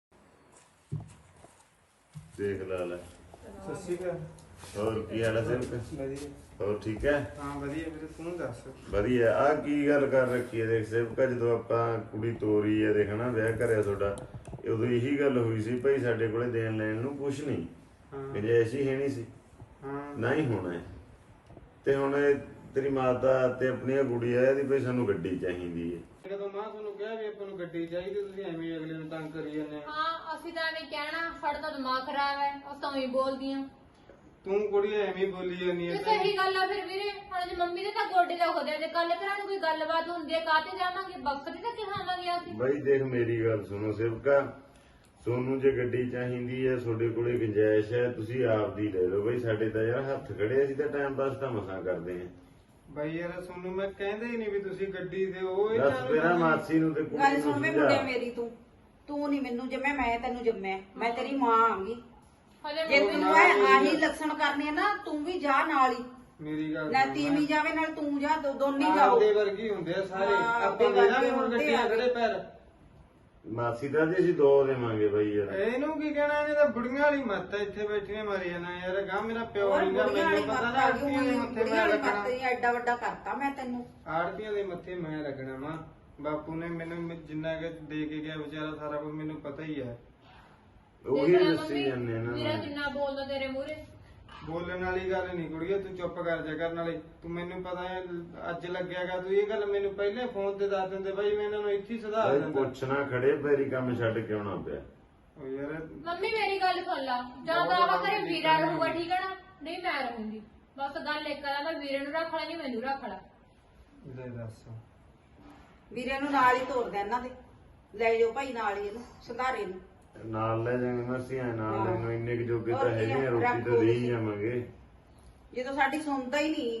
E: ਦੇਖ ਲੈ।
C: ਸਤਿ ਸ਼੍ਰੀ ਅਕਾਲ।
E: ਹੋਰ ਕੀ ਹਾਲ ਹੈ ਸੇਵਕ?
C: ਵਧੀਆ।
E: ਹੋਰ ਠੀਕ ਹੈ?
C: ਹਾਂ ਵਧੀਆ ਵੀਰੇ, ਤੂੰ ਦੱਸ।
E: ਵਧੀਆ। ਆਹ ਕੀ ਗੱਲ ਕਰ ਰੱਖੀ ਹੈ ਦੇਖ ਸੇਵਕਾ, ਜਦੋਂ ਆਪਾਂ ਕੁੜੀ ਤੋਰੀ ਹੈ ਦੇਖਣਾ, ਵਿਆਹ ਕਰਿਆ ਤੁਹਾਡਾ, ਉਦੋਂ ਇਹੀ ਗੱਲ ਹੋਈ ਸੀ ਭਾਈ ਸਾਡੇ ਕੋਲੇ ਦੇਣ ਲੈਣ ਨੂੰ ਕੁਛ ਨਹੀਂ, ਗੁੰਜਾਇਸ਼ ਹੀ ਹੈ ਨਹੀਂ ਸੀ, ਨਾ ਹੀ ਹੋਣਾ ਹੈ। ਤੇ ਹੁਣ ਤੇਰੀ ਮਾਤਾ ਤੇ ਆਪਣੀ ਕੁੜੀ ਆ, ਇਹਦੀ ਭਾਈ ਸਾਨੂੰ ਗੱਡੀ ਚਾਹੀਦੀ ਹੈ।
C: ਜਦੋਂ ਮਾਂ ਤੁਹਾਨੂੰ ਕਿਹਾ ਵੀ ਆਪਾਂ ਨੂੰ ਗੱਡੀ ਚਾਹੀਦੀ, ਤੁਸੀਂ ਐਵੇਂ ਅਗਲੇ ਨੂੰ ਤੰਗ ਕਰੀ ਜਾਂਦੇ ਆ।
D: ਹਾਂ ਅਸੀਂ ਤਾਂ ਐਵੇਂ ਕਹਿਣਾ, ਸਾਡਾ ਤਾਂ ਦਿਮਾਗ ਖਰਾਬ ਹੈ, ਉਹ ਤਾਂ ਹੀ ਬੋਲਦੀਆਂ।
C: ਤੂੰ ਕੁੜੀ ਐਵੇਂ ਬੋਲੀ ਜਾਂਦੀ
D: ਤੇ
C: ਹੈ।
D: ਸਹੀ ਗੱਲ ਆ ਫਿਰ ਵੀਰੇ, ਹੁਣ ਜੇ ਮੰਮੀ ਦੇ ਤਾਂ ਗੋਡੇ ਦੁਖਦੇ ਆ, ਜੇ ਕੱਲ ਘਰਾਂ ਨੂੰ ਕੋਈ ਗੱਲਬਾਤ ਹੁੰਦੀ ਹੈ ਕਾਹਤੇ ਜਾਵਾਂਗੇ, ਬਖਤ ਤਾਂ ਕਿਹਾਵਾਂਗੇ ਅਸੀਂ।
E: ਬਾਈ ਦੇਖ ਮੇਰੀ ਗੱਲ ਸੁਣੋ ਸੇਵਕਾ, ਤੁਹਾਨੂੰ ਜੇ ਗੱਡੀ ਚਾਹੀਦੀ ਹੈ, ਤੁਹਾਡੇ ਕੋਲੇ ਗੁੰਜਾਇਸ਼ ਹੈ, ਤੁਸੀਂ ਆਪਦੀ ਲੈ ਲਓ ਬਾਈ। ਸਾਡੇ ਤਾਂ ਯਾਰ ਹੱਥ ਖੜੇ, ਅਸੀਂ ਤਾਂ ਟਾਈਮ ਪਾਸ ਤਾਂ ਮਸਾਂ ਕਰਦੇ ਹਾਂ।
C: ਬਾਈ ਯਾਰ ਤੁਹਾਨੂੰ ਮੈਂ ਕਹਿੰਦਾ ਹੀ ਨਹੀਂ ਵੀ ਤੁਸੀਂ ਗੱਡੀ ਦਿਓ।
E: ਦੱਸ ਮੇਰਾ ਮਾਸੀ ਨੂੰ ਤੇ ਕੁੜੀ
B: ਗੱਲ
E: ਨੂੰ
B: ਸੁਣ ਵੇ
E: ਸਮਝਾ।
B: ਮੁੰਡਿਆ ਮੇਰੀ, ਤੂੰ ਨਹੀਂ ਮੈਨੂੰ ਜੰਮਿਆ, ਮੈਂ ਤੈਨੂੰ ਜੰਮਿਆ, ਮੈਂ ਤੇਰੀ ਮਾਂ ਆਂਗੀ। ਜੇ ਤੈਨੂੰ ਆਹੀ ਲੱਛਣ ਕਰਨੇ ਆ ਨਾ, ਤੂੰ ਵੀ ਜਾ ਨਾਲ ਹੀ।
C: ਮੇਰੀ ਗੱਲ
B: ਨਾ ਤੀਵੀਂ ਜਾਵੇ ਨਾਲ ਤੂੰ ਜਾ, ਦੋਨੇ ਜਾਓ।
C: ਆਪਦੇ ਵਰਗੀ ਹੁੰਦੇ ਆ ਸਾਰੇ,
B: ਹਾਂ,
C: ਆਪਾਂ
B: ਆਪਦੇ
C: ਦੇਣਾ
B: ਵਰਗੇ
C: ਹੁਣ
B: ਹੁੰਦੇ
C: ਗੱਡੀਆਂ
B: ਆ।
C: ਖੜੇ ਪੈਰ।
E: ਮਾਸੀ ਦਾ ਜੀ ਅਸੀਂ 2 ਦੇਵਾਂਗੇ ਬਾਈ ਯਾਰ।
C: ਇਹਨੂੰ ਕੀ ਕਹਿਣਾ, ਇਹਨੇ ਤਾਂ ਬੁੜੀਆਂ ਵਾਲੀ ਮੱਤ ਇੱਥੇ ਬੈਠੀਆਂ ਮਾਰੀ ਜਾਣਾ ਯਾਰ। ਗਾ ਮੇਰਾ ਪਿਓ ਨਹੀਂਗਾ, ਮੈਨੂੰ ਪਤਾ ਨਾ ਆੜਤੀਆਂ ਦੇ ਮੱਥੇ ਮੈਂ ਲੱਗਣਾ।
B: ਐਡਾ ਵੱਡਾ ਕਰਤਾ ਮੈਂ ਤੈਨੂੰ।
C: ਆੜਤੀਆਂ ਦੇ ਮੱਥੇ ਮੈਂ ਲੱਗਣਾ ਵਾ। ਬਾਪੂ ਨੇ ਮੈਨੂੰ ਜਿੰਨਾ ਕਿ ਦੇ ਕੇ ਗਿਆ ਵਿਚਾਰਾ, ਸਾਰਾ ਕੁਝ ਮੈਨੂੰ ਪਤਾ ਹੀ ਹੈ।
E: ਉਹੀ ਦੱਸੀ ਜਾਂਦੇ ਨਾ।
D: ਵੀਰਾ ਕਿੰਨਾ ਬੋਲਦਾ ਤੇਰੇ ਮੂਹਰੇ।
C: ਬੋਲਣ ਵਾਲੀ ਗੱਲ ਨਹੀਂ ਕੁੜੀਏ, ਤੂੰ ਚੁੱਪ ਕਰ ਜਾ ਕਰਨ ਵਾਲੇ। ਤੂੰ ਮੈਨੂੰ ਪਤਾ ਹੈ ਅੱਜ ਲੱਗਿਆਗਾ, ਤੂੰ ਇਹ ਗੱਲ ਮੈਨੂੰ ਪਹਿਲੇ ਫੋਨ ਤੇ ਦੱਸ ਦਿੰਦੇ ਬਾਈ, ਮੈਂ ਇਹਨਾਂ ਨੂੰ ਇੱਥੇ ਹੀ ਸੁਧਾਰ ਦਿੰਦਾ।
E: ਪੁੱਛਣਾ ਖੜੇ ਪੈਰੀ ਕੰਮ ਛੱਡ ਕੇ ਆਉਣਾ ਪਿਆ।
C: ਓ ਯਾਰ
D: ਮੰਮੀ ਮੇਰੀ ਗੱਲ ਸੁਣ ਲਾ, ਜਾਂ ਤਾਂ ਆਹ ਘਰੇ ਵੀਰਾ ਰਹੂਗਾ ਠੀਕ ਹੈ ਨਾ, ਨਹੀਂ ਮੈਂ ਰਹੂੰਗੀ। ਬਸ ਗੱਲ ਇੱਕ ਆ, ਮੈਂ ਵੀਰੇ ਨੂੰ ਰੱਖ ਲਾ, ਨਹੀਂ ਮੈਨੂੰ ਰੱਖ ਲਾ।
C: ਲੈ ਦੱਸ,
B: ਵੀਰੇ ਨੂੰ ਨਾਲ ਹੀ ਤੋਰ ਦੇ ਇਹਨਾਂ ਦੇ, ਲੈ ਜਾਓ ਭਾਈ ਨਾਲ ਹੀ ਇਹਨੂੰ, ਸੁਧਾਰੇ ਨੂੰ।
E: ਨਾਲ ਲੈ ਜਾਵਾਂਗੇ ਮਾਸੀ, ਐ ਨਾਲ ਲੈਣੋਂ ਇੰਨੇ ਕੁ ਜੋਗੇ ਤਾਂ
B: ਹੋਰ ਕੀ
E: ਹੈਗੇ ਆ,
B: ਆ,
E: ਰੋਟੀ
B: ਰੱਖੋ
E: ਤਾਂ ਦੇ ਹੀ
B: ਤੁਸੀਂ।
E: ਜਾਵਾਂਗੇ।
B: ਜਦੋਂ ਸਾਡੀ ਸੁਣਦਾ ਹੀ ਨਹੀਂ।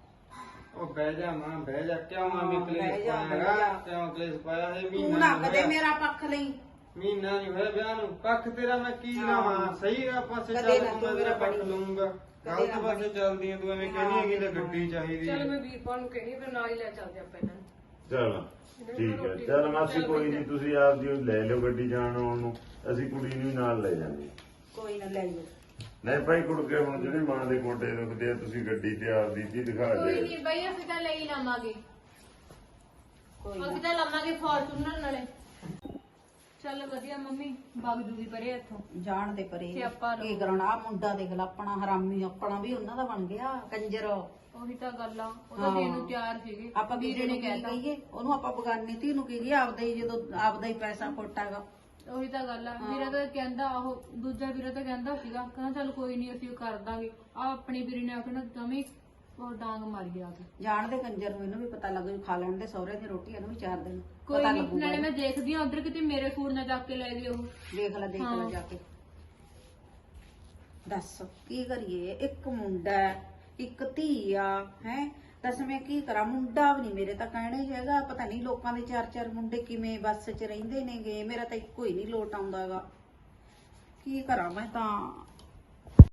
C: ਉਹ ਬਹਿ ਜਾ ਮਾਂ, ਬਹਿ ਜਾ। ਕਿਉਂ ਆਵੇਂ
B: ਬਹਿ
C: ਕਲੇਸ਼
B: ਜਾ,
C: ਪਾਇਆ
B: ਬਹਿ
C: ਹੈਗਾ?
B: ਜਾ।
C: ਕਿਉਂ ਕਲੇਸ਼ ਪਾਇਆ ਹੈ?
B: ਤੂੰ
C: ਮਹੀਨਾ
B: ਨਾ
C: ਨੀ
B: ਕਦੇ
C: ਹੋਇਆ।
B: ਮੇਰਾ ਪੱਖ ਲਈ।
C: ਮਹੀਨਾ ਨਹੀਂ ਹੋਇਆ ਵਿਆਹ ਨੂੰ, ਪੱਖ ਤੇਰਾ ਮੈਂ ਕੀ ਲਾਵਾਂ? ਸਹੀ ਆ ਪਾਸੇ
B: ਕਦੇ
C: ਚੱਲ,
B: ਨਾ
C: ਤੂੰ
B: ਤੂੰ
C: ਮੈਂ
B: ਮੇਰਾ
C: ਤੇਰਾ ਪੱਖ
B: ਬਣੀ।
C: ਲਊਂਗਾ। ਗਲਤ
B: ਨਾ
C: ਪਾਸੇ ਚੱਲਦੀ ਆ ਤੂੰ, ਐਵੇਂ ਕਹਿੰਦੀ ਹੈਗੀ ਤਾਂ ਗੱਡੀ ਚਾਹੀਦੀ
D: ਚੱਲ
C: ਹੈ।
D: ਮੈਂ ਵੀਰਪਾਲ ਨੂੰ ਕਹਿਣੀ, ਫਿਰ ਨਾਲ ਹੀ ਲੈ ਚੱਲਦੇ ਆਪਾਂ ਇਹਨਾਂ ਨੂੰ।
E: ਚਲ ਠੀਕ ਹੈ, ਚੱਲ ਮਾਸੀ ਕੋਈ ਨਹੀਂ, ਤੁਸੀਂ ਆਪਦੀ ਉਹ ਲੈ ਲਿਓ ਗੱਡੀ ਜਾਣ ਆਉਣ ਨੂੰ, ਅਸੀਂ ਕੁੜੀ ਨੂੰ ਵੀ ਨਾਲ ਲੈ ਜਾਂਦੇ।
B: ਕੋਈ ਨਾ ਲੈ ਜਾਓ।
E: ਨਹੀਂ ਭਾਈ ਕੁੜਕੇ, ਹੁਣ ਜਿਹੜੇ ਮਾਂ ਦੇ ਗੋਡੇ ਦੁਖਦੇ ਆ, ਤੁਸੀਂ ਗੱਡੀ ਤੇ ਆਪਦੀ ਜੀ ਦਿਖਾ
D: ਕੋਈ
E: ਦੇ।
D: ਨਹੀਂ ਬਈ, ਅਸੀਂ ਤਾਂ ਲੈ ਹੀ ਲਵਾਂਗੇ,
B: ਕੋਈ
D: ਅਸੀਂ ਤਾਂ ਲਵਾਂਗੇ ਫੋਰਚੂਨਰ ਨਾਲੇ। ਚੱਲ ਵਧੀਆ ਮੰਮੀ, ਵਗ ਜੂਗੀ ਪਰੇ ਇੱਥੋਂ।
B: ਜਾਣ ਦੇ ਪਰੇ
D: ਸਿਆਪਾ ਰਹੋ।
B: ਕੀ ਕਰਨਾ, ਮੁੰਡਾ ਦੇਖ ਲਾ ਆਪਣਾ ਹਰਾਮੀ, ਆਪਣਾ ਵੀ ਉਹਨਾਂ ਦਾ ਬਣ ਗਿਆ ਕੰਜਰ।
D: ਉਹੀ ਤਾਂ ਗੱਲ ਆ, ਉਹ ਤਾਂ ਦੇਣ ਨੂੰ ਤਿਆਰ ਸੀਗੇ।
B: ਆਪਾਂ ਵੀਰੇ ਨੇ ਕਹਿਤਾ ਕਹੀਏ ਉਹਨੂੰ, ਆਪਾਂ ਬਗਾਨੀ ਧੀ ਨੂੰ ਕਹੀਏ ਆਪਦਾ ਹੀ, ਜਦੋਂ ਆਪਦਾ ਹੀ ਪੈਸਾ ਖੋਟਾਗਾ।
D: ਉਹੀ ਤਾਂ ਗੱਲ ਆ। ਵੀਰਾ ਤਾਂ ਕਹਿੰਦਾ, ਉਹ ਦੂਜਾ ਵੀਰਾ ਤਾਂ ਕਹਿੰਦਾ ਸੀਗਾ, ਕਹਿੰਦਾ ਚੱਲ ਕੋਈ ਨਹੀਂ ਅਸੀਂ ਕਰ ਦਾਂਗੇ। ਆ ਆਪਣੀ ਵੀਰੇ ਨੇ ਆਖਣਾ ਜਮੀ ਉਹ ਡਾਂਗ ਮਾਰੀ ਗਿਆ ਕੇ।
B: ਜਾਣ ਦੇ ਕੰਜਰ ਨੂੰ, ਇਹਨੂੰ ਵੀ ਪਤਾ ਲੱਗੂ, ਖਾ ਲੈਣ ਦੇ ਸਹੁਰੇ ਦੀ ਰੋਟੀ, ਇਹਨੂੰ ਵੀ 4 ਦਿਨ
D: ਕੋਈ
B: ਪਤਾ
D: ਨਹੀਂ,
B: ਲੱਗੂਗਾ।
D: ਨਾਲੇ ਮੈਂ ਦੇਖਦੀ ਆ ਉਧਰ ਕਿਤੇ ਮੇਰੇ ਸੂਟ ਨਾ ਚੱਕ ਕੇ ਲੈ ਗਏ ਉਹ।
B: ਦੇਖ ਲੈ ਜਾ ਕੇ। ਦੱਸ ਕੀ ਕਰੀਏ, ਇੱਕ ਮੁੰਡਾ ਇੱਕ ਧੀ ਆ ਹੈ। ਦੱਸ ਮੈਂ ਕੀ ਕਰਾਂ, ਮੁੰਡਾ ਵੀ ਨਹੀਂ ਮੇਰੇ ਤਾਂ ਕਹਿਣਾ ਹੀ ਹੈਗਾ। ਪਤਾ ਨਹੀਂ ਲੋਕਾਂ ਦੇ 4-4 ਮੁੰਡੇ ਕਿਵੇਂ ਬੱਸ 'ਚ ਰਹਿੰਦੇ ਨੇਗੇ, ਮੇਰਾ ਤਾਂ ਇੱਕੋ ਹੀ ਨਹੀਂ ਲੋਟ ਆਉਂਦਾਗਾ। ਕੀ ਕਰਾਂ ਮੈਂ ਤਾਂ।